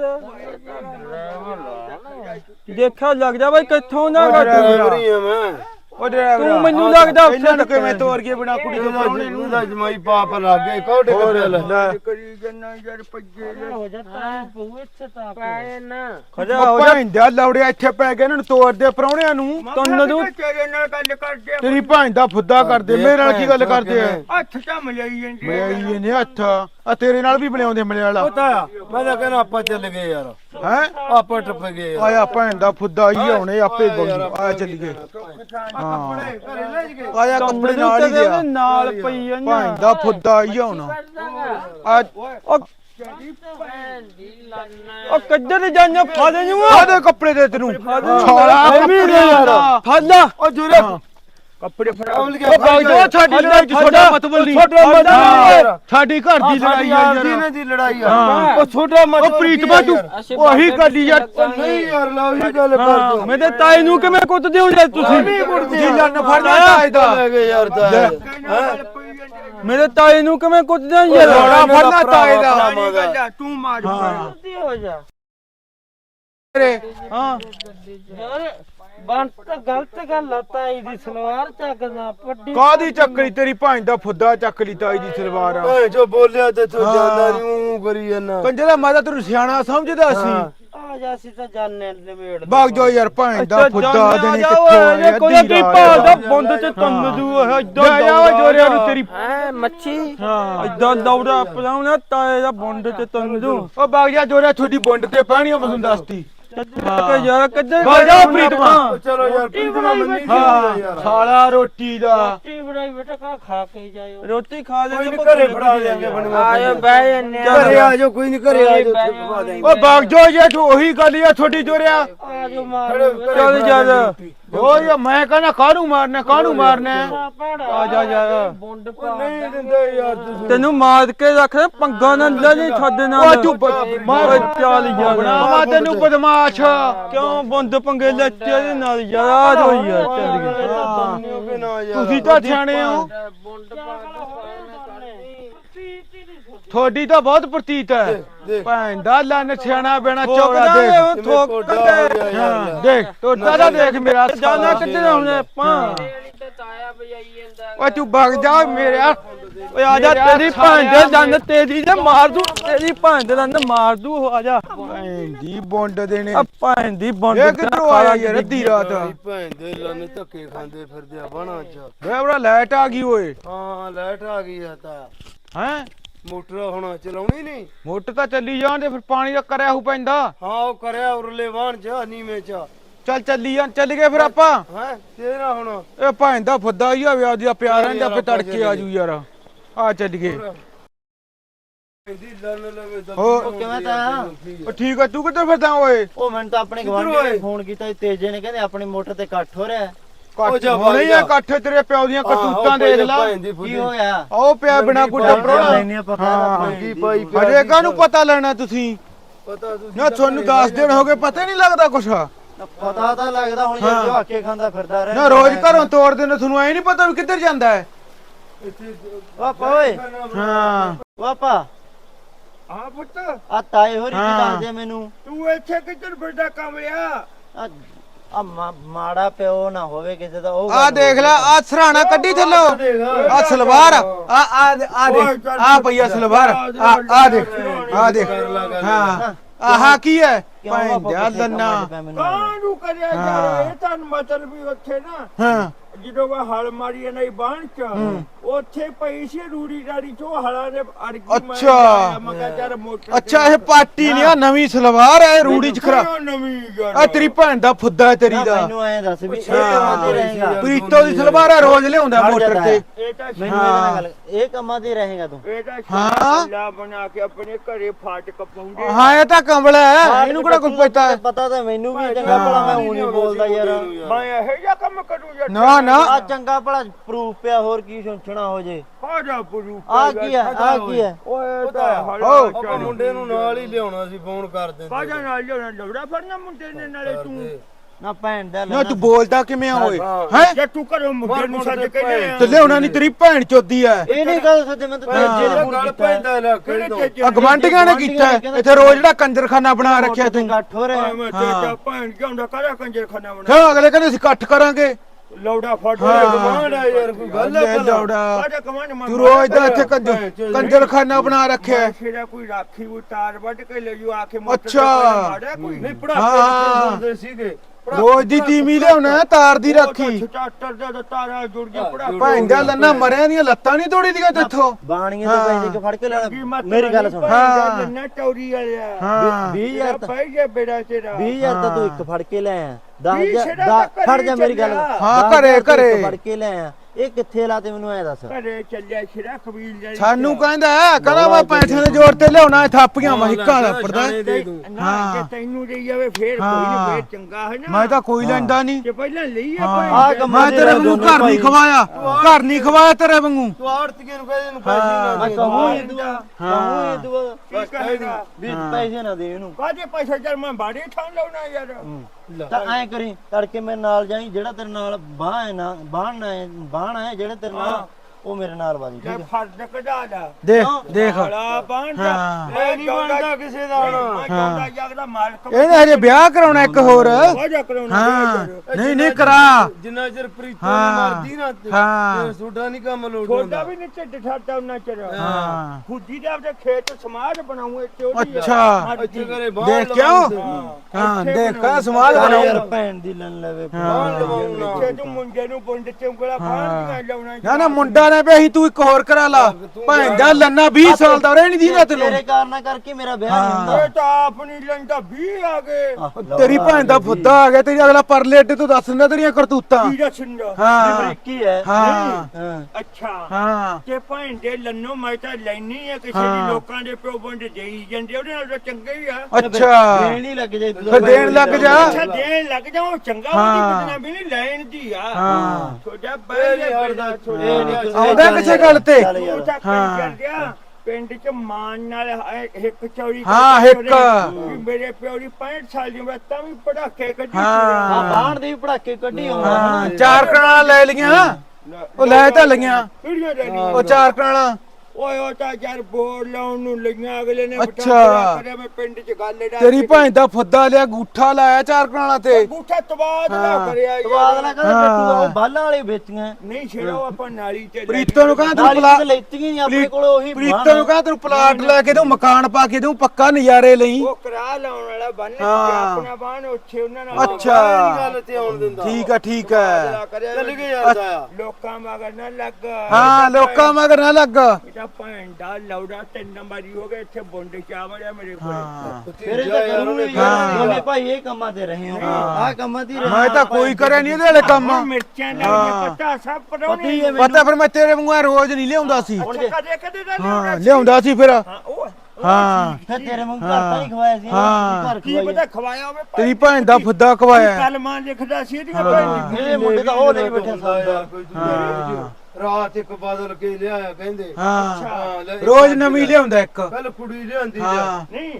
Speaker 5: ਦੇਖਾ ਲੱਗਦਾ ਬਈ ਕਿੱਥੋਂ ਨਾ
Speaker 3: ਡਰਾਈਵਰੀ ਆ ਮੈਂ
Speaker 4: ਉਹ ਡਰਾਈਵਰ
Speaker 5: ਤੂੰ ਮੈਨੂੰ ਲੱਗਦਾ ਉੱਥੇ
Speaker 4: ਇਹਨਾਂ ਨੂੰ ਕਿਵੇਂ ਤੋਰ ਕੇ ਬਿਨਾ ਕੁੜੀ ਤੋਂ ਪਰਾਉਣੇ ਨੂੰ
Speaker 3: ਇਹਦਾ ਜਮਾਈ ਪਾਪ ਲੱਗ ਗਏ ਕੋਡੇ ਕੱਪੜੇ ਲੈ
Speaker 2: ਕਰੀ ਜੰਨਾ ਯਾਰ ਭੱਜੇ
Speaker 6: ਹੋ ਜਾ ਤਾਂ ਪੂ ਇੱਥੇ ਤਾਂ ਪੈ ਨਾ
Speaker 5: ਖੜਾ ਹੋ ਜਾ
Speaker 4: ਭੈਣ ਦਾ ਲੌੜਿਆ ਇੱਥੇ ਪੈ ਗਏ, ਇਹਨਾਂ ਨੂੰ ਤੋਰ ਦੇ ਪਰਾਉਣਿਆਂ ਨੂੰ।
Speaker 2: ਤਨ ਨੂੰ ਤੇਰੇ ਨਾਲ ਗੱਲ ਕਰਦੇ
Speaker 4: ਤੇਰੀ ਭੈਣ ਦਾ ਫੁੱਦਾ ਕਰਦੇ, ਮੇਰੇ ਨਾਲ ਕੀ ਗੱਲ ਕਰਦੇ ਆ?
Speaker 2: ਹੱਥ ਝਮ ਲਈ ਜਾਂਦੇ
Speaker 4: ਮੈਂ ਇਹ ਨੇ ਹੱਥ ਆ ਤੇਰੇ ਨਾਲ ਵੀ ਬਣਾਉਂਦੇ ਮਿਲੇ ਵਾਲਾ
Speaker 3: ਪਤਾ ਮੈਂ ਤਾਂ ਕਹਿੰਦਾ ਆਪਾਂ ਚੱਲ ਗਏ ਯਾਰ
Speaker 4: ਹੈ।
Speaker 3: ਆਪਾਂ ਟੱਪ ਗਏ ਯਾਰ
Speaker 4: ਆਇਆ ਭੈਣ ਦਾ ਫੁੱਦਾ ਹੀ ਆਉਣੇ ਆਪੇ ਆਇਆ ਚੱਲੀਏ।
Speaker 3: ਕੱਪੜੇ ਘਰੇ ਲੈ ਗਏ
Speaker 4: ਆਇਆ ਕੱਪੜੇ ਨਾਲ ਹੀ ਗਿਆ,
Speaker 5: ਨਾਲ ਪਈ ਜਾਂਦੇ
Speaker 4: ਭੈਣ ਦਾ ਫੁੱਦਾ ਹੀ ਆਉਣਾ। ਆ
Speaker 5: ਉਹ ਕਿੱਧਰ ਜਾਂਦੇ ਫੜ ਨੂੰ
Speaker 4: ਆਦੇ ਕੱਪੜੇ ਦੇ ਤੈਨੂੰ ਛਾਲਾ ਕੱਪੜੇ ਯਾਰ
Speaker 5: ਫੜ ਲਾ
Speaker 3: ਉਹ ਜੁਰੇ
Speaker 2: ਕੱਪੜੇ ਫੜਾ
Speaker 3: ਕਮਲ
Speaker 4: ਉਹ ਭਾਈ ਜੋ ਸਾਡੀ ਲੜਾਈ ਚ ਛੋਟਾ ਮਤਲਬ ਨਹੀਂ, ਸਾਡੀ ਘਰ ਦੀ ਲੜਾਈ ਆ
Speaker 3: ਯਾਰ ਦੀ
Speaker 4: ਯਾਰ।
Speaker 3: ਨਾ ਦੀ ਲੜਾਈ ਆ
Speaker 4: ਹਾਂ।
Speaker 3: ਉਹ ਛੋਟਾ ਮਤ
Speaker 4: ਉਹ ਪ੍ਰੀਤਮਾ ਤੂੰ ਉਹੀ ਕਰਦੀ ਯਾਰ।
Speaker 3: ਨਹੀਂ ਯਾਰ ਲਾਓ ਹੀ ਗੱਲ ਕਰ ਤੂੰ
Speaker 5: ਮੇਰੇ ਤਾਈ ਨੂੰ ਕਿਵੇਂ ਕੁੱਟਦੇ ਹੋ ਯਾਰ ਤੁਸੀਂ
Speaker 4: ਜੀ ਲੜਨ ਫੜਨਾ ਚਾਹੀਦਾ
Speaker 3: ਲੈ ਗਏ ਯਾਰ ਤਾਂ
Speaker 5: ਮੇਰੇ ਤਾਈ ਨੂੰ ਕਿਵੇਂ ਕੁੱਟਦੇ ਹੋ ਯਾਰ
Speaker 4: ਰੌਲਾ ਫੜਨਾ ਚਾਹੀਦਾ।
Speaker 2: ਤੂੰ ਮਾਰ
Speaker 6: ਜਲਦੀ ਹੋ ਜਾ
Speaker 5: ਹਾਂ
Speaker 6: ਯਾਰ ਬੰਤ ਤਾਂ ਗਲਤ ਗੱਲ ਆ ਤਾਈ ਦੀ ਸਲਵਾਰ ਚੱਕਦਾ ਵੱਡੀ
Speaker 4: ਕਾਦੀ ਚੱਕਰੀ ਤੇਰੀ ਭੈਣ ਦਾ ਫੁੱਦਾ ਚੱਕ ਲਈ ਤਾਈ ਦੀ ਸਲਵਾਰ ਆ।
Speaker 3: ਓਏ ਜੋ ਬੋਲਿਆ ਤੇ ਤੂੰ ਜਾਂਦਾ ਨਹੀਂ ਕਰੀ ਜਾਂਦਾ
Speaker 4: ਕੰਜਰਾ ਮੈਂ ਤਾਂ ਤੈਨੂੰ ਸਿਆਣਾ ਸਮਝਦਾ ਸੀ।
Speaker 6: ਆ ਜਾ ਸੀ ਤਾਂ ਜਾਣੇ ਨਿਬੇੜ
Speaker 4: ਭਾਗ ਜਾਓ ਯਾਰ ਭੈਣ ਦਾ ਫੁੱਦਾ ਦੇਣੇ ਕਿੱਥੋਂ ਆਏ
Speaker 5: ਕੋਈ
Speaker 4: ਅੱਧੀ
Speaker 5: ਕੀ
Speaker 4: ਰਾਤ
Speaker 5: ਭਾਲਦਾ ਬੰਦ ਤੇ ਤੰਨ ਜੂ
Speaker 4: ਜਾ ਜਾ ਜੋਰਿਆ ਨੂੰ ਤੇਰੀ
Speaker 6: ਹੈ ਮੱਛੀ
Speaker 5: ਹਾਂ ਇਦਾਂ ਦੌੜਾ ਪਲਾਉਣਾ ਤਾਏ ਦਾ ਬੰਦ ਤੇ ਤੰਨ ਜੂ
Speaker 4: ਉਹ ਭਾਗ ਜਾ ਜੋਰਿਆ ਛੋਟੀ ਬੁੰਡ ਤੇ ਪਾਣੀਆਂ ਮਸੂੰ ਦੱਸਤੀ।
Speaker 5: ਕਿ ਯਾਰ ਕਿੱਧਰ
Speaker 4: ਭਾਗ ਜਾ ਪ੍ਰੀਤਮਾ।
Speaker 3: ਚਲੋ ਯਾਰ ਪ੍ਰੀਤਮਾ ਮੰਨੀ
Speaker 4: ਹਾਂ
Speaker 3: ਯਾਰ
Speaker 4: ਸਾਲਾ ਰੋਟੀ ਦਾ
Speaker 6: ਰੋਟੀ ਬਣਾਈ ਬੇਟਾ ਖਾ ਕੇ ਜਾਇਓ
Speaker 5: ਰੋਟੀ ਖਾ ਲੈ
Speaker 3: ਕੋਈ ਘਰੇ ਫੜਾ ਦੇਾਂਗੇ ਬਣਵਾ
Speaker 6: ਆਇਓ ਬਹਿ ਜੰਨੇ
Speaker 3: ਘਰੇ ਆ ਜਾਓ ਕੋਈ ਨਹੀਂ ਘਰੇ ਆ ਜਾਓ ਖਵਾ ਦੇਂਗੇ
Speaker 4: ਉਹ ਭਾਗ ਜਾਓ ਜੇ ਤੂੰ ਉਹੀ ਗੱਲ ਆ ਛੋਟੀ ਜੋਰਿਆ।
Speaker 6: ਆਜੋ ਮਾਰ
Speaker 5: ਚੱਲ ਜਾ
Speaker 4: ਓਏ ਮੈਂ ਕਹਿੰਦਾ ਕਾਹਨੂੰ ਮਾਰਨਾ
Speaker 5: ਆ ਜਾ ਯਾਰ
Speaker 6: ਬੁੰਡ ਪਾ
Speaker 3: ਨਹੀਂ ਦਿੰਦੇ ਯਾਰ ਤੁਸੀਂ
Speaker 5: ਤੈਨੂੰ ਮਾਰ ਕੇ ਰੱਖ ਪੰਗਾ ਨਾ ਲੈ ਨਹੀਂ ਛੱਡ ਨਾ
Speaker 4: ਓ ਤੂੰ
Speaker 5: ਮਾਰ ਚੱਲ ਯਾਰ
Speaker 4: ਬਣਾਵਾ ਤੈਨੂੰ ਬਦਮਾਸ਼।
Speaker 5: ਕਿਉਂ ਬੰਦ ਪੰਗੇ ਲੱਤੇ ਦੇ ਨਾਲ ਯਾਰ ਆ ਜੋ ਯਾਰ ਚੱਲ ਗਏ
Speaker 3: ਦੋਨਿਓ ਕੇ ਨਾ ਯਾਰ
Speaker 4: ਤੁਸੀਂ ਤਾਂ ਸਿਆਣੇ ਹੋ,
Speaker 6: ਬੁੰਡ ਪਾ
Speaker 4: ਤੁਹਾਡੀ ਤਾਂ ਬਹੁਤ ਪ੍ਰਤੀਤ ਹੈ। ਭੈਣ ਦਾ ਲੰਨ ਸਿਆਣਾ ਬੇਣਾ ਚੌਕਦਾ
Speaker 5: ਚੁੱਕਦਾ
Speaker 4: ਦੇ।
Speaker 5: ਥੋਕ
Speaker 3: ਕੋਡਾ ਹੋ ਗਿਆ ਯਾਰ
Speaker 4: ਹਾਂ ਦੇਖ ਟੋਟਾ ਦਾ ਦੇਖ ਮੇਰਾ
Speaker 5: ਜਾਣਾ ਕਿੱਧਰ ਆਉਣਾ ਆਪਾਂ
Speaker 4: ਓਏ ਤੂੰ ਵਗ ਜਾ ਮੇਰਾ।
Speaker 5: ਓਏ ਆ ਜਾ ਤੇਰੀ ਭੈਣ ਦੇ ਦੰਦ ਤੇਰੀ ਦੇ ਮਾਰ ਦੂ ਤੇਰੀ ਭੈਣ ਦੇ ਦੰਦ ਮਾਰ ਦੂ ਆ ਜਾ
Speaker 4: ਭੈਣ ਦੀ ਬੁੰਡ ਦੇਣੇ।
Speaker 5: ਆ ਭੈਣ ਦੀ ਬੰਦ
Speaker 4: ਇਹ ਕਿੱਧਰੋਂ ਆਇਆ ਯਾਰ ਅੱਧੀ ਰਾਤ?
Speaker 3: ਭੈਣ ਦੇ ਲੰਨ ਧੱਕੇ ਖਾਂਦੇ ਫਿਰਦੇ ਆ ਬਾਣਾ ਚ
Speaker 4: ਬੇਬੜਾ ਲਾਈਟ ਆ ਗਈ ਓਏ।
Speaker 3: ਹਾਂ ਲਾਈਟ ਆ ਗਈ ਆ ਤਾਂ
Speaker 4: ਹੈ
Speaker 3: ਮੋਟਰ ਹੁਣ ਚਲਾਉਣੀ ਨਹੀਂ
Speaker 4: ਮੋਟਰ ਤਾਂ ਚੱਲੀ ਜਾਂਦੇ ਫਿਰ ਪਾਣੀ ਦਾ ਕਰਿਆ ਹੋ ਪੈਂਦਾ।
Speaker 3: ਹਾਂ ਉਹ ਕਰਿਆ ਉਰਲੇ ਵਾਹਣ ਚ ਨੀਵੇਂ ਚ
Speaker 4: ਚੱਲ ਗਏ ਫਿਰ ਆਪਾਂ।
Speaker 3: ਹੈ ਤੇਰਾ ਹੁਣ
Speaker 4: ਇਹ ਭੈਣ ਦਾ ਫੁੱਦਾ ਹੀ ਆ ਵਿਆਹ ਦੀ ਪਿਆਰਾਂ ਦਾ ਆਪੇ ਤੜਕੇ ਆ ਜੂ ਯਾਰ। ਆ ਚੱਲ ਗਏ।
Speaker 3: ਦੀ ਲੰਨ ਲਵੇ
Speaker 4: ਉਹ
Speaker 7: ਕਿਵੇਂ ਤਾਂ
Speaker 4: ਉਹ ਠੀਕ ਆ, ਤੂੰ ਕਿੱਧਰ ਫਿਰਦਾ ਓਏ?
Speaker 7: ਉਹ ਮੈਨੂੰ ਤਾਂ ਆਪਣੇ ਗਵਾਂਢੀ ਨੇ ਫੋਨ ਕੀਤਾ ਸੀ, ਤੇਜੇ ਨੇ ਕਹਿੰਦੇ ਆਪਣੀ ਮੋਟਰ ਤੇ ਇਕੱਠ ਹੋ ਰਿਹਾ।
Speaker 4: ਕੱਠ ਹੋਣੀ ਆ, ਇਕੱਠ ਤੇਰੇ ਪਿਓ ਦੀਆਂ ਕਰਤੂਤਾਂ ਦੇਖ ਲਾ।
Speaker 7: ਕੀ ਹੋਇਆ?
Speaker 4: ਉਹ ਪਿਆ ਬਿਨਾ ਕੋਈ ਟੱਪਰੋਣਾ।
Speaker 7: ਲੈਣੀ ਪਤਾ
Speaker 3: ਕੀ ਪਾਈ
Speaker 4: ਹਜੇ ਕਾਹਨੂੰ ਪਤਾ ਲੈਣਾ ਤੁਸੀਂ?
Speaker 3: ਪਤਾ ਤੁਸੀਂ
Speaker 4: ਨਾ ਤੁਹਾਨੂੰ 10 ਦਿਨ ਹੋ ਗਏ ਪਤਾ ਨਹੀਂ ਲੱਗਦਾ ਕੁਛ।
Speaker 7: ਪਤਾ ਤਾਂ ਲੱਗਦਾ ਹੁਣ ਜੇ ਆਕੇ ਖਾਂਦਾ ਫਿਰਦਾ ਰਹਿ
Speaker 4: ਨਾ ਰੋਜ਼ ਘਰੋਂ ਤੋੜਦੇ ਨੇ ਤੁਹਾਨੂੰ ਐ ਨਹੀਂ ਪਤਾ ਵੀ ਕਿੱਧਰ ਜਾਂਦਾ ਹੈ।
Speaker 7: ਪਾਪਾ ਓਏ
Speaker 4: ਹਾਂ
Speaker 7: ਪਾਪਾ
Speaker 2: ਹਾਂ ਪੁੱਤ
Speaker 7: ਆ ਤਾਏ ਹੋਰੀ ਕੀ
Speaker 4: ਹਾਂ।
Speaker 7: ਦੱਸਦੇ ਮੈਨੂੰ
Speaker 2: ਤੂੰ ਇੱਥੇ ਕਿੱਧਰ ਫਿਰਦਾ ਕਮਲਿਆ?
Speaker 7: ਆ ਮਾੜਾ ਪਿਓ ਨਾ ਹੋਵੇ ਕਿਸੇ ਦਾ ਉਹ
Speaker 4: ਆ ਦੇਖ ਲੈ ਆ ਸਰਾਣਾ ਕੱਢੀ ਥੱਲੋ ਆ ਸਲਵਾਰ ਆ ਦੇਖ ਆ ਪਈਆ ਸਲਵਾਰ ਆ ਦੇਖ ਹਾਂ ਆਹ ਕੀ ਹੈ ਭਾਂਜਾ ਲੰਨਾ
Speaker 2: ਕਾਹਨੂੰ ਕਰਿਆ ਯਾਰ ਇਹ ਤਾਂ ਮਤਲਬ ਵੀ ਉੱਥੇ ਨਾ
Speaker 4: ਹਾਂ
Speaker 2: ਜਦੋਂ ਉਹ ਹਲ ਮਾਰੀ ਨਹੀਂ ਬਾਣ ਚ ਉੱਥੇ ਪਈ ਸੀ ਰੂੜੀ ਰਾੜੀ ਚੋਂ ਹਲਾਂ ਨੇ ਅੜ ਗਈ।
Speaker 4: ਅੱਛਾ।
Speaker 2: ਮੈਂ ਕਿਹਾ ਯਾਰ ਮੋਟਰ
Speaker 4: ਅੱਛਾ ਇਹ ਪਾਟੀ ਨਹੀਂ ਆ ਨਵੀਂ ਸਲਵਾਰ ਹੈ ਰੂੜੀ ਚ ਖਰਾ
Speaker 2: ਨਵੀਂ ਯਾਰ
Speaker 4: ਆ ਤੇਰੀ ਭੈਣ ਦਾ ਫੁੱਦਾ ਹੈ ਤੇਰੀ ਦਾ
Speaker 7: ਮੈਨੂੰ ਐਂ ਦੱਸ ਵੀ ਇਹ ਕੰਮਾਂ ਤੇ ਰਹੇਗਾ
Speaker 4: ਪ੍ਰੀਤੋ ਦੀ ਸਲਵਾਰ ਆ ਰੋਜ਼ ਲਿਆਉਂਦਾ ਮੋਟਰ ਤੇ
Speaker 2: ਇਹ ਤਾਂ
Speaker 7: ਮੈਨੂੰ ਇਹਦੇ ਨਾਲ ਗੱਲ ਇਹ ਕੰਮਾਂ ਤੇ ਰਹੇਗਾ ਤੂੰ
Speaker 2: ਇਹ ਤਾਂ
Speaker 4: ਹਾਂ।
Speaker 2: ਸ਼ਾਲਾ ਬਣਾ ਕੇ ਆਪਣੇ ਘਰੇ ਫਾਟਕ ਪਾਉਂਦੇ।
Speaker 4: ਹਾਂ ਇਹ ਤਾਂ ਕੰਬਲ ਹੈ ਇਹਨੂੰ ਕਿਹੜਾ ਕੁਝ ਪਤਾ ਹੈ।
Speaker 7: ਪਤਾ ਤਾਂ ਮੈਨੂੰ ਵੀ ਚੰਗਾ ਭਲਾ ਮੈਂ ਹੁਣ ਨਹੀਂ ਬੋਲਦਾ ਯਾਰ
Speaker 2: ਮੈਂ ਇਹੋ ਜਿਹਾ ਕੰਮ ਕਰੂੰ ਯਾਰ।
Speaker 4: ਨਾ ਨਾ
Speaker 7: ਆ ਚੰਗਾ ਭਲਾ ਪ੍ਰੂਫ ਪਿਆ ਹੋਰ ਕੀ ਸੁਣਨਾ ਹੋ ਜੇ
Speaker 2: ਆ ਜਾ ਪੁਰੂ
Speaker 7: ਆ ਕੀ ਹੈ ਆ ਕੀ ਹੈ
Speaker 2: ਓਏ ਤਾਂ
Speaker 3: ਆਪਾਂ ਮੁੰਡੇ ਨੂੰ ਨਾਲ ਹੀ ਲਿਆਉਣਾ ਸੀ ਫੋਨ ਕਰ ਦਿੰਦੇ
Speaker 2: ਕਾਜਾ ਨਾਲ ਲਿਆਉਣਾ ਲਵੜਾ ਫੜਨਾ ਮੁੰਡੇ ਨੇ ਨਾਲੇ ਤੂੰ
Speaker 7: ਨਾ ਭੈਣ ਦਾ
Speaker 4: ਨਾ ਤੂੰ ਬੋਲਦਾ ਕਿਵੇਂ ਆ ਓਏ ਹੈ
Speaker 2: ਜੇ ਤੂੰ ਘਰੋਂ ਮੁੰਡੇ ਨੂੰ ਸੱਦ ਕੇ ਲਿਆ
Speaker 4: ਤੇ ਲਿਆਉਣਾ ਨਹੀਂ ਤੇਰੀ ਭੈਣ ਚੋਦੀ ਹੈ
Speaker 7: ਇਹ ਨਹੀਂ ਗੱਲ ਸੱਚੇ ਮੈਂ ਤਾਂ ਤੇਰੇ ਫੋਨ
Speaker 3: ਗੱਲ
Speaker 7: ਕੀਤਾ
Speaker 3: ਪੈਂਦਾ ਲੈ ਕਿਹੜੀ ਤੋਂ
Speaker 4: ਆ ਗਵਾਂਢੀਆਂ ਨੇ ਕੀਤਾ ਹੈ। ਇੱਥੇ ਰੋਜ਼ ਜਿਹੜਾ ਕੰਜਰਖਾਨਾ ਬਣਾ ਰੱਖਿਆ ਤੂੰ
Speaker 7: ਇਕੱਠ ਹੋ ਰਿਹਾ
Speaker 2: ਮੈਂ ਤੇਰਾ ਭੈਣ ਜਾਂਦਾ ਕਰਾ ਕੰਜਰ ਖਾਨਾ ਬਣਾ
Speaker 4: ਕਿਉਂ ਅਗਲੇ ਕਹਿੰਦੇ ਅਸੀਂ ਇਕੱਠ ਕਰਾਂਗੇ
Speaker 2: ਲੌੜਾ ਫੜ
Speaker 3: ਕਮਾਂਡ ਆ ਯਾਰ ਕੋਈ ਗੱਲ
Speaker 4: ਲੈ ਲੌੜਾ
Speaker 2: ਕਾਜਾ ਕਮਾਂਡ ਮੈਂ
Speaker 4: ਤੂੰ ਰੋਜ਼ ਦਾ ਇੱਥੇ ਕੰਜਰਖਾਨਾ ਬਣਾ ਰੱਖਿਆ ਹੈ।
Speaker 2: ਸ਼ੇਰਾ ਕੋਈ ਰਾਖੀ ਉਤਾਰ ਵੱਢ ਕੇ ਲੈ ਜੂ ਆ ਕੇ ਮੋਟਰ
Speaker 4: ਅੱਛਾ।
Speaker 2: ਮਾਰਿਆ ਕੋਈ
Speaker 3: ਨਹੀਂ ਪੜਾਕੇ ਹੁੰਦੇ ਸੀਗੇ
Speaker 4: ਰੋਜ਼ ਦੀ ਤੀਮੀ ਲਿਆਉਣਾ ਤਾਰ ਦੀ ਰੱਖੀ
Speaker 2: ਟਾਟਰ ਦਾ ਤਾਰਾ ਜੁੜ ਗਿਆ ਪੜਾ
Speaker 4: ਭੈਣ ਦਾ ਲੰਨਾ ਮਰਿਆਂ ਦੀਆਂ ਲੱਤਾਂ ਨਹੀਂ ਤੋੜੀ ਦੀਆਂ ਤੇਥੋਂ
Speaker 7: ਬਾਣੀਆਂ ਤੋਂ ਪੈਸੇ ਕੇ ਫੜ ਕੇ ਲੈਣਾ ਮੇਰੀ ਗੱਲ ਸੁਣ
Speaker 4: ਹਾਂ।
Speaker 2: ਜੰਨਾ ਟੌਰੀ ਵਾਲਿਆ
Speaker 4: ਹਾਂ
Speaker 7: 20000 ਤਾਂ
Speaker 2: ਭਾਈ ਜੇ ਬੇੜਾ ਤੇਰਾ
Speaker 7: 20000 ਤਾਂ ਤੂੰ ਇੱਕ ਫੜ ਕੇ ਲੈ ਆ
Speaker 2: 20,000
Speaker 7: 10 ਫੜ ਜਾ ਮੇਰੀ ਗੱਲ
Speaker 4: ਹਾਂ,
Speaker 7: 10,000
Speaker 4: ਘਰੇ,
Speaker 7: ਤੂੰ
Speaker 4: ਘਰੇ।
Speaker 7: ਇੱਕ ਫੜ ਕੇ ਲੈ ਆ ਇਹ ਕਿੱਥੇ ਲਾਤੇ ਮੈਨੂੰ ਐ ਦੱਸ
Speaker 2: ਘਰੇ ਚੱਲਿਆ ਸ਼ਿਰਾ ਕਬੀਲ ਜਾਈ
Speaker 4: ਸਾਨੂੰ ਕਹਿੰਦਾ ਮੈਂ ਪੈਸੇ ਦੇ ਜ਼ੋਰ ਤੇ ਲਿਆਉਣਾ ਥਾਪੀਆਂ ਮਹਿਕਾਂ ਦਾ ਪੜਦਾ
Speaker 2: ਨਾ ਜੇ ਤੈਨੂੰ ਦੇਈ ਜਾਵੇ ਫੇਰ ਕੋਈ ਨਹੀਂ ਫੇਰ ਚੰਗਾ ਹੈ ਨਾ
Speaker 4: ਮੈਂ ਤਾਂ ਕੋਈ ਲੈਂਦਾ ਨਹੀਂ
Speaker 2: ਜੇ ਪਹਿਲਾਂ ਲਈ ਆ
Speaker 7: ਆ
Speaker 2: ਭਾਈ
Speaker 7: ਕੰਮਾਂ
Speaker 4: ਮੈਂ
Speaker 7: ਦੇ
Speaker 4: ਤੇਰੇ
Speaker 7: ਰਹਿ
Speaker 4: ਵਾਂਗੂ
Speaker 7: ਦੋਨੇ
Speaker 4: ਘਰ ਨਹੀਂ
Speaker 7: ਭਾਈ।
Speaker 4: ਖਵਾਇਆ ਘਰ ਨਹੀਂ ਖਵਾਇਆ ਤੇਰੇ ਵਾਂਗੂ
Speaker 3: ਤੂੰ ਆੜਤੀਏ ਨੂੰ ਕਹਿੰਦੇ ਇਹਨੂੰ ਪੈਸੇ ਨਾ
Speaker 7: ਮੈਂ
Speaker 3: ਦੇ
Speaker 7: ਕਹੂੰ ਇਹ ਦੁਆ ਕਹੂੰ ਇਹ ਦੁਆ
Speaker 2: ਕੀ ਕਹੇਗਾ
Speaker 7: ਵੀ ਪੈਸੇ ਨਾ ਦੇ ਇਹਨੂੰ
Speaker 2: ਕਾਜੇ ਪੈਸੇ ਜਰ ਮੈਂ ਬਾੜੇ ਠਾਂ ਲਾਉਣਾ ਯਾਰ
Speaker 7: ਤਾਂ ਐ ਕਰੀ ਤੜਕੇ ਮੇਰੇ ਨਾਲ ਜਾਈ ਜਿਹੜਾ ਤੇਰੇ ਨਾਲ ਬਾਹ ਹੈ ਨਾ ਬਾਣ ਹੈ ਜਿਹੜੇ ਤੇਰੇ ਨਾਲ ਉਹ ਮੇਰੇ ਨਾਲ ਵਾਦੀ
Speaker 2: ਜੇ
Speaker 7: ਠੀਕ ਹੈ
Speaker 2: ਫਰਦ ਕਢਾ ਦਾ
Speaker 4: ਦੇਖ
Speaker 2: ਬੜਾ ਬਾਂਦਾ
Speaker 4: ਹਾਂ।
Speaker 3: ਇਹ ਨਹੀਂ ਬਣਦਾ ਕਿਸੇ ਦਾ ਹੁਣ
Speaker 2: ਮੈਂ ਚਾਹੁੰਦਾ ਜਗਦਾ ਮਾਲਕ
Speaker 4: ਇਹਨੇ ਹਜੇ ਵਿਆਹ ਕਰਾਉਣਾ ਇੱਕ ਹੋਰ
Speaker 2: ਵਾਜਾ ਕਰਾਉਣਾ
Speaker 4: ਹਾਂ ਨਹੀਂ ਕਰਾ
Speaker 3: ਜਿੰਨਾ ਚਿਰ ਪ੍ਰੀਤੋ
Speaker 4: ਹਾਂ।
Speaker 3: ਮਰਦੀ ਨਾ
Speaker 4: ਹਾਂ।
Speaker 3: ਤੇ ਸੋਡਾ ਨਹੀਂ ਕੰਮ ਲੋਟ
Speaker 2: ਛੋਟਾ
Speaker 3: ਹੁੰਦਾ
Speaker 2: ਵੀ ਨਹੀਂ ਢਿੱਡ ਠਾਟਾ ਉਹਨਾਂ ਚਿਰ
Speaker 4: ਹਾਂ
Speaker 2: ਖੁੱਜੀ ਦੇ ਆਪਦੇ ਖੇਤ ਸਮਾਜ ਬਣਾਉਂ ਇੱਥੇ ਉਹਦੀ
Speaker 4: ਅੱਛਾ।
Speaker 3: ਇੱਥੇ ਕਰੇ ਬਾਹਰ
Speaker 4: ਦੇਖ ਕਿਉਂ ਹਾਂ ਦੇਖ ਕਾ ਸਮਾਜ
Speaker 7: ਯਾਰ
Speaker 4: ਬਣਾਉ
Speaker 7: ਭੈਣ ਦੀ ਲੰਨ ਲਵੇ
Speaker 2: ਇੱਥੇ ਤੂੰ ਮੁੰਡੇ ਨੂੰ ਬੁੰਡ ਚ ਉਂਗਲਾ ਫਾਂਦੀਆਂ ਲਾਉਣਾ
Speaker 4: ਨਾ ਮੁੰਡਾ ਨੇ ਵੀ ਤੂੰ ਇੱਕ ਹੋਰ ਕਰਾ ਲਾ ਭੈਣ ਦਾ ਲੰਨਾ 20 ਸਾਲ ਦਾ ਰਹਿ ਨਹੀਂ ਦੀਦਾ ਤੈਨੂੰ
Speaker 7: ਤੇਰੇ ਕਾਰਨਾਂ ਕਰਕੇ ਮੇਰਾ ਵਿਆਹ ਨਹੀਂ ਹੁੰਦਾ
Speaker 2: ਇਹ ਤਾਂ ਆਪਣੀ ਲੰਡਾ 20 ਆ ਗਏ
Speaker 4: ਤੇਰੀ ਭੈਣ ਦਾ ਫੁੱਦਾ ਆ ਗਿਆ ਤੇਰੀ ਅਗਲਾ ਪਰਲੇ ਅੱਡੇ ਤੋਂ ਦੱਸ ਦਿੰਦਾ ਤੇਰੀਆਂ ਕਰਤੂਤਾਂ
Speaker 2: ਕੀ ਰਸੰਦਾ
Speaker 4: ਹਾਂ
Speaker 7: ਬਰੀਕੀ ਹੈ
Speaker 4: ਹਾਂ
Speaker 2: ਅੱਛਾ
Speaker 4: ਹਾਂ
Speaker 2: ਤੇ ਭਾਂ ਦੇ ਲੰਨੋ ਮੈਂ ਤਾਂ ਲੈਣੀ ਆ ਕਿਸੇ ਦੀ ਲੋਕਾਂ ਦੇ ਪਿਓ ਬੰਦ ਦੇਈ ਜਾਂਦੇ ਉਹਦੇ ਨਾਲ ਤਾਂ ਚੰਗੇ ਹੀ ਆ
Speaker 4: ਅੱਛਾ
Speaker 7: ਦੇਣ ਨਹੀਂ ਲੱਗ ਜਾਏ
Speaker 4: ਫਿਰ ਦੇਣ ਲੱਗ ਜਾ
Speaker 2: ਅੱਛਾ ਦੇਣ ਲੱਗ ਜਾ ਉਹ ਚੰਗਾ ਉਹਦੀ ਬਦਨਾ ਵੀ ਨਹੀਂ ਲੈਣ ਦੀ ਆ
Speaker 4: ਹਾਂ
Speaker 2: ਛੋਟਾ ਬੈਲੇ ਬੜਾ ਛੋਟਾ
Speaker 4: ਆਉਂਦਾ ਕਿਸੇ ਗੱਲ ਤੇ
Speaker 2: ਤੂੰ ਤਾਂ ਕਰ ਗਿਆ ਪਿੰਡ ਚ ਮਾਨ ਨਾਲ ਇੱਕ ਚੌੜੀ
Speaker 4: ਹਾਂ, ਇੱਕ।
Speaker 2: ਮੇਰੇ ਪਿਓ ਦੀ 65 ਸਾਲ ਦੀ ਉਮਰ ਤਾਂ ਵੀ ਪੜਾਕੇ ਕੱਢੀ
Speaker 7: ਹਾਂ ਬਾਣ ਦੀ ਪੜਾਕੇ ਕੱਢੀ ਆਉਂਦਾ
Speaker 4: ਹਾਂ ਚਾਰ ਕਣਾਂ ਲੈ ਲੀਆਂ ਉਹ ਲੈ ਤਾਂ ਲਈਆਂ
Speaker 2: ਕਿਹੜੀਆਂ ਲੈਣੀ
Speaker 4: ਉਹ ਚਾਰ ਕਣਾਂ
Speaker 2: ਓਏ ਉਹ ਤਾਂ ਯਾਰ ਬੋਰ ਲਾਉਣ ਨੂੰ ਲਈਆਂ ਅਗਲੇ ਨੇ
Speaker 4: ਅੱਛਾ।
Speaker 2: ਕਰਿਆ ਮੈਂ ਪਿੰਡ ਚ ਗੱਲ ਡਾ
Speaker 4: ਤੇਰੀ ਭੈਣ ਦਾ ਫੁੱਦਾ ਲਿਆ ਗੂਠਾ ਲਾਇਆ ਚਾਰ ਕਣਾਂ ਤੇ
Speaker 2: ਬੂਠਾ ਤਬਾਦਲਾ ਕਰਿਆ
Speaker 7: ਤਬਾਦਲਾ ਕਰ ਉਹ ਬਾਲਾਂ ਵਾਲੇ ਵੇਚੀਆਂ
Speaker 2: ਨਹੀਂ ਛੇੜੋ ਆਪਾਂ ਨਾਲੀ ਤੇ
Speaker 4: ਪ੍ਰੀਤੋ ਨੂੰ ਕਹਿੰਦਾ ਤੂੰ
Speaker 7: ਨਾਲੀ
Speaker 4: ਪਲਾ
Speaker 7: ਤੇ ਲੈਤੀਆਂ ਨਹੀਂ ਆਪਣੇ ਕੋਲ ਉਹੀ
Speaker 4: ਪ੍ਰੀਤੋ ਨੂੰ ਕਹਿੰਦਾ ਤੈਨੂੰ ਪਲਾਟ ਲੈ ਕੇ ਦੂੰ ਮਕਾਨ ਪਾ ਕੇ ਦੂੰ ਪੱਕਾ ਨਜ਼ਾਰੇ ਲਈ
Speaker 2: ਉਹ ਕਰਾ ਲਾਉਣ ਵਾਲਾ ਬੰਨ
Speaker 4: ਹਾਂ।
Speaker 2: ਆਪਣਾ ਬਾਣ ਉੱਥੇ ਉਹਨਾਂ ਨਾਲ
Speaker 4: ਅੱਛਾ
Speaker 3: ਗੱਲ ਤੇ ਆਉਣ ਦਿੰਦਾ
Speaker 4: ਠੀਕ ਹੈ
Speaker 3: ਚੱਲ ਕੇ ਜਾਂਦਾ ਆ
Speaker 2: ਲੋਕਾਂ ਮਗਰ ਨਾ ਲੱਗ
Speaker 4: ਹਾਂ ਲੋਕਾਂ ਮਗਰ ਨਾ ਲੱਗ
Speaker 2: ਇਹਦਾ ਭੈਣ ਦਾ ਲੌੜਾ 3 ਨੰਬਰੀ ਹੋ ਗਿਆ ਇੱਥੇ ਬੁੰਡ ਚਾ ਵੜਿਆ ਮੇਰੇ ਕੋਲ
Speaker 4: ਹਾਂ
Speaker 7: ਫਿਰ ਇਹ ਤਾਂ ਜ਼ਰੂਰੀ ਦੋਨੇ ਭਾਈ ਇਹ ਕੰਮਾਂ ਤੇ ਰਹੇ ਹੋ ਆਹ ਕੰਮਾਂ ਤੇ
Speaker 4: ਮੈਂ ਤਾਂ ਕੋਈ ਕਰਿਆ ਨਹੀਂ ਇਹਦੇ ਵਾਲੇ ਕੰਮ
Speaker 2: ਮਿਰਚਾਂ ਨਾਲ ਪਤਾ ਸਭ ਪਰੋਣੀ
Speaker 4: ਪਤਾ ਫਿਰ ਮੈਂ ਤੇਰੇ ਵਾਂਗੂ ਰੋਜ਼ ਨਹੀਂ ਲਿਆਉਂਦਾ ਸੀ
Speaker 2: ਕਦੇ ਕਦੇ ਦਾ
Speaker 4: ਹਾਂ ਲਿਆਉਂਦਾ ਸੀ ਫਿਰ
Speaker 2: ਹਾਂ ਉਹ
Speaker 4: ਹਾਂ
Speaker 7: ਫਿਰ ਤੇਰੇ ਮੂੰਹ ਘਰ ਤਾਂ ਨਹੀਂ ਖਵਾਇਆ ਸੀ
Speaker 4: ਹਾਂ।
Speaker 7: ਘਰ
Speaker 2: ਕੀ
Speaker 7: ਖਵਾਇਆ
Speaker 2: ਪਤਾ ਖਵਾਇਆ ਹੋਵੇ
Speaker 4: ਤੇਰੀ ਭੈਣ ਦਾ ਫੁੱਦਾ ਖਵਾਇਆ
Speaker 2: ਕਲਮਾਂ ਲਿਖਦਾ ਸੀ ਇਹਦੀਆਂ ਭੈਣ
Speaker 7: ਇਹ ਮੁੰਡੇ ਤਾਂ ਉਹ ਨਹੀਂ ਬੈਠੇ ਸਾਡਾ
Speaker 4: ਹਾਂ
Speaker 3: ਰਾਤ ਇੱਕ ਬਦਲ ਕੇ ਲਿਆਇਆ ਕਹਿੰਦੇ
Speaker 4: ਹਾਂ
Speaker 3: ਲੈ
Speaker 4: ਰੋਜ਼ ਨਵੀਂ ਲਿਆਉਂਦਾ ਇੱਕ
Speaker 3: ਕੱਲ ਕੁੜੀ ਲਿਆਂਦੀ
Speaker 4: ਹਾਂ
Speaker 2: ਨਹੀਂ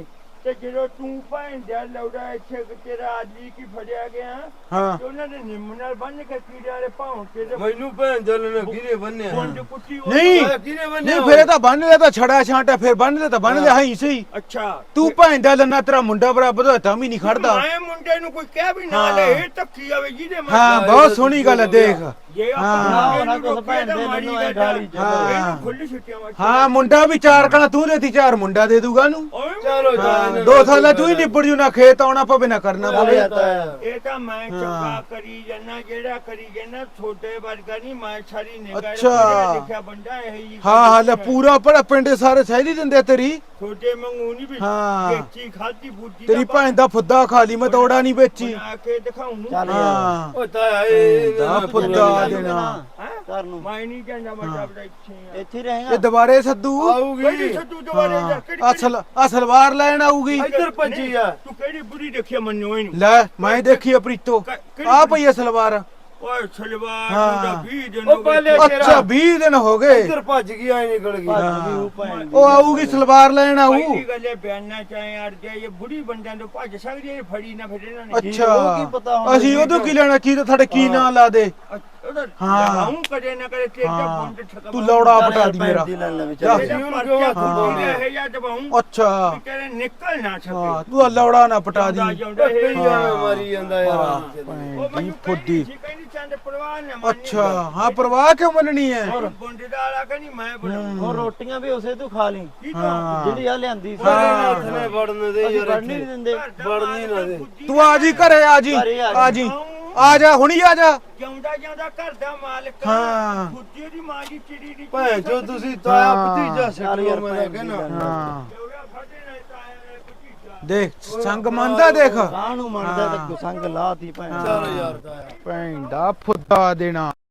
Speaker 2: ਤੇ ਜਦੋਂ ਤੂੰ ਭੈਣ ਦਾ ਲੌੜਾ ਇੱਥੇ ਤੇਰਾ ਆਦਮੀ ਕੀ ਫੜਿਆ ਗਿਆ
Speaker 4: ਹਾਂ
Speaker 2: ਤੇ ਉਹਨਾਂ ਨੇ ਨਿੰਮ ਨਾਲ ਬੰਨ ਕੇ ਕੀੜੇ ਵਾਲੇ ਭਾਉਂ ਕੇ ਤੇ
Speaker 3: ਮੈਨੂੰ ਭੈਣ ਜਲਣਾ ਕਿਹਨੇ ਬੰਨਿਆ
Speaker 2: ਪੁੰਜ ਕੁੱਟੀ ਉਹ-
Speaker 4: ਨਹੀਂ
Speaker 3: ਕਿਹਨੇ ਬੰਨਿਆ
Speaker 4: ਨਹੀਂ ਫਿਰ ਇਹ ਤਾਂ ਬੰਨ ਲਿਆ ਤਾਂ ਛੜਾ ਛਾਂਟਾ ਫਿਰ ਬੰਨ ਲਿਆ ਤਾਂ ਬੰਨ ਲਿਆ ਹੀ ਸਹੀ
Speaker 2: ਅੱਛਾ
Speaker 4: ਤੂੰ ਭੈਣ ਦਾ ਲੰਨਾ ਤੇਰਾ ਮੁੰਡਾ ਬਰਾਬਰ ਦਾ ਤਾਂ ਵੀ ਨਹੀਂ ਖੜਦਾ
Speaker 2: ਮੈਂ ਮੁੰਡੇ ਨੂੰ ਕੋਈ ਕਹਿ ਵੀ ਨਾ ਲੈ ਇਹ ਧੱਕੀ ਆਵੇ ਜਿਹਦੇ ਮਰ
Speaker 4: ਹਾਂ ਬਹੁਤ ਸੋਹਣੀ ਗੱਲ ਹੈ ਦੇਖ
Speaker 2: ਜੇ
Speaker 4: ਹਾਂ।
Speaker 2: ਆਪਾਂ
Speaker 7: ਨਾ ਕੁਛ ਭੈਣ ਦੇ ਮੈਨੂੰ ਐ ਗਾਲੀ ਚ
Speaker 4: ਹਾਂ।
Speaker 2: ਖੁੱਲੀ ਛੁੱਟੀਆਂ ਵਿੱਚ
Speaker 4: ਹਾਂ ਮੁੰਡਾ ਵੀ 4 ਕਣਾ ਤੂੰ ਦੇਤੀ 4 ਮੁੰਡਾ ਦੇ ਦੂਗਾ ਨੂੰ
Speaker 3: ਚਲੋ
Speaker 4: ਹਾਂ 2 ਸਾਲਾਂ ਤੂੰ ਹੀ ਨਿਬੜ ਜੂ ਨਾ ਖੇਤ ਆਉਣਾ ਪਵੇ ਨਾ ਕਰਨਾ ਪਵੇ
Speaker 2: ਇਹ ਤਾਂ ਮੈਂ ਚੰਗਾ ਕਰੀ ਜੰਨਾ ਜਿਹੜਾ ਕਰੀ ਜੰਨਾ ਛੋਟੇ ਵਰਗਾ ਨਹੀਂ ਮੈਂ ਸਾਰੀ ਨਿਗਾਹ
Speaker 4: ਅੱਛਾ।
Speaker 2: ਲਿਖਿਆ ਬੰਦਾ ਇਹ ਹੀ
Speaker 4: ਹਾਂ ਹਾਂ ਲੈ ਪੂਰਾ ਪੜਾ ਪਿੰਡ ਸਾਰੇ ਸਹਿਦੀ ਦਿੰਦੇ ਆ ਤੇਰੀ
Speaker 2: ਛੋਟੇ ਮੰਗੂ ਨਹੀਂ ਵੀ
Speaker 4: ਹਾਂ।
Speaker 2: ਵੇਚੀ ਖਾਦੀ ਬੂਜੀ
Speaker 4: ਤੇਰੀ ਭੈਣ ਦਾ ਫੁੱਦਾ ਖਾ ਲਈ ਮੈਂ ਤੋੜਾ ਨਹੀਂ ਵੇਚੀ
Speaker 2: ਆ ਕੇ ਦਿਖਾਉਂ
Speaker 7: ਚੱਲ ਯਾਰ
Speaker 4: ਹਾਂ
Speaker 3: ਉਹ ਤਾਇਆ ਇਹ
Speaker 4: ਦਾ ਫੁੱਦਾ ਦੇਣਾ
Speaker 7: ਘਰ ਨੂੰ
Speaker 2: ਮੈਂ ਨਹੀਂ ਜਾਂਦਾ ਮੈਂ ਤਾਂ ਇੱਥੇ ਆ
Speaker 7: ਇੱਥੇ ਹੀ ਰਹੇਗਾ
Speaker 4: ਇਹ ਦੁਬਾਰੇ ਸੱਦੂ
Speaker 2: ਕਿਹੜੀ ਛੱਡੂ ਦੁਬਾਰੇ ਜਾ ਕਿਹੜੀ
Speaker 4: ਆ ਸਲਵਾਰ ਲੈਣ ਆਊਗੀ
Speaker 3: ਇੱਧਰ ਭੱਜੀ ਆ
Speaker 2: ਤੂੰ ਕਿਹੜੀ ਬੁਰੀ ਦੇਖਿਆ ਮੰਨੋ ਇਹਨੂੰ
Speaker 4: ਲੈ ਮੈਂ ਦੇਖੀ ਆ ਪ੍ਰੀਤੋ ਆ ਪਈ ਆ ਸਲਵਾਰ
Speaker 2: ਓਏ ਸਲਵਾਰ
Speaker 4: ਹਾਂ।
Speaker 2: ਦਾ 20 ਦਿਨ
Speaker 3: ਉਹ ਪਹਿਲੇ
Speaker 4: ਅੱਛਾ 20 ਦਿਨ ਹੋ ਗਏ
Speaker 3: ਇੱਧਰ ਭੱਜ ਗਈ ਆਈ ਨਿਕਲ ਗਈ
Speaker 7: ਭੱਜ ਗਈ ਉਹ ਭੈਣ ਦੀ।
Speaker 4: ਉਹ ਆਊਗੀ ਸਲਵਾਰ ਲੈਣ ਆਊ
Speaker 2: ਪਹਿਲੀ ਗੱਲੇ ਬਿਆਨਾ ਚਾਹੇ ਅੜ ਜਾਏ ਇਹ ਬੁੜੀ ਬੰਦਿਆਂ ਤੋਂ ਭੱਜ ਸਕਦੀ ਹੈ ਫੜੀ ਨਾ ਫਿਰ ਇਹਨਾਂ ਨੇ
Speaker 7: ਉਹ ਕੀ ਪਤਾ
Speaker 4: ਅੱਛਾ
Speaker 7: ਹੁਣ
Speaker 4: ਅਸੀਂ ਉਦੋਂ ਕੀ ਲੈਣਾ ਕੀ ਤਾਂ ਸਾਡੇ ਕੀ ਨਾਂ ਲਾ ਦੇ ਹਾਂ।
Speaker 2: ਹਾਂ ਕਦੇ ਨਾ ਕਦੇ ਤੇਰੇ
Speaker 4: ਹਾਂ।
Speaker 2: ਬੰਦ ਠਕਾ
Speaker 4: ਤੂੰ ਲੌੜਾ ਪਟਾ ਦੀ ਮੇਰਾ
Speaker 2: ਜਾ
Speaker 4: ਜਾ।
Speaker 2: ਇਹ ਜਾਂ ਦਬਾਉਂ
Speaker 4: ਅੱਛਾ
Speaker 2: ਤੇਰੇ ਨਿਕਲ ਨਾ
Speaker 4: ਹਾਂ
Speaker 2: ਸਕੇ
Speaker 4: ਤੂੰ ਆ ਲੌੜਾ ਨਾ ਪਟਾ ਦੀ
Speaker 3: ਕਈ ਐਵੇਂ ਮਾਰੀ ਜਾਂਦਾ ਯਾਰ
Speaker 2: ਉਹ
Speaker 4: ਭੈਣ ਦੀ
Speaker 2: ਮੈਨੂੰ
Speaker 4: ਫੁੱਦੀ
Speaker 2: ਕਹਿੰਦੀ ਚੰਦ ਪਰਵਾਹ ਨਾ ਮੰਨੀ
Speaker 4: ਅੱਛਾ ਹਾਂ ਪਰਵਾਹ ਕਿਉਂ ਮੰਨਣੀ ਹੈ
Speaker 2: ਬੁੰਡੇ ਦਾ ਆਲਾ ਕਹਿੰਦੀ ਮੈਂ ਬਣਾਉਂ
Speaker 7: ਹੋਰ ਰੋਟੀਆਂ ਵੀ ਉਸੇ ਤੋਂ ਖਾ ਲਈ
Speaker 2: ਕੀ
Speaker 4: ਹਾਂ
Speaker 7: ਜਿਹੜੀ ਆ ਲਿਆਂਦੀ ਸੀ
Speaker 3: ਹੱਥ ਨੇ ਵੜਨ ਦੇ
Speaker 7: ਅਸੀਂ
Speaker 3: ਯਾਰ
Speaker 7: ਵੜਨ ਨਹੀਂ ਦਿੰਦੇ
Speaker 3: ਵੜਨੀ ਨਾ ਦੇ
Speaker 4: ਤੂੰ ਆ ਜੀ ਘਰੇ ਆ ਜੀ ਆ ਜੀ ਆ ਜਾ ਹੁਣੀ ਆ ਜਾ
Speaker 2: ਜਿਉਂਦਾ ਜਿਉਂਦਾ ਘਰ ਦਾ ਮਾਲਕ
Speaker 4: ਹਾਂ।
Speaker 2: ਖੁੱਦੀ ਦੀ ਮਾਂ ਦੀ ਚਿੜੀ ਦੀ
Speaker 3: ਭੈਣ ਜੋ ਤੁਸੀਂ ਤਾਇਆ
Speaker 4: ਹਾਂ।
Speaker 3: ਭਤੀਜਾ
Speaker 7: ਚੱਲ
Speaker 3: ਛੱਡੋ
Speaker 7: ਯਾਰ
Speaker 3: ਮੈਂ
Speaker 7: ਭੈਣ ਦੀ
Speaker 3: ਕਹਿੰਦਾ
Speaker 7: ਗੱਲ।
Speaker 4: ਹਾਂ
Speaker 2: ਸਾਡੇ ਨਾਲ ਤਾਇਆ ਨੇ ਭਤੀਜਾ
Speaker 4: ਦੇਖ ਸੰਗ ਮੰਨਦਾ ਦੇਖ
Speaker 7: ਕਾਹਨੂੰ ਮੰਨਦਾ ਤੇ ਸੰਗ ਲਾਤੀ ਭੈਣ
Speaker 3: ਚਲ ਯਾਰ ਤਾਇਆ
Speaker 4: ਭੈਣ ਦਾ ਫੁੱਦਾ ਦੇਣਾ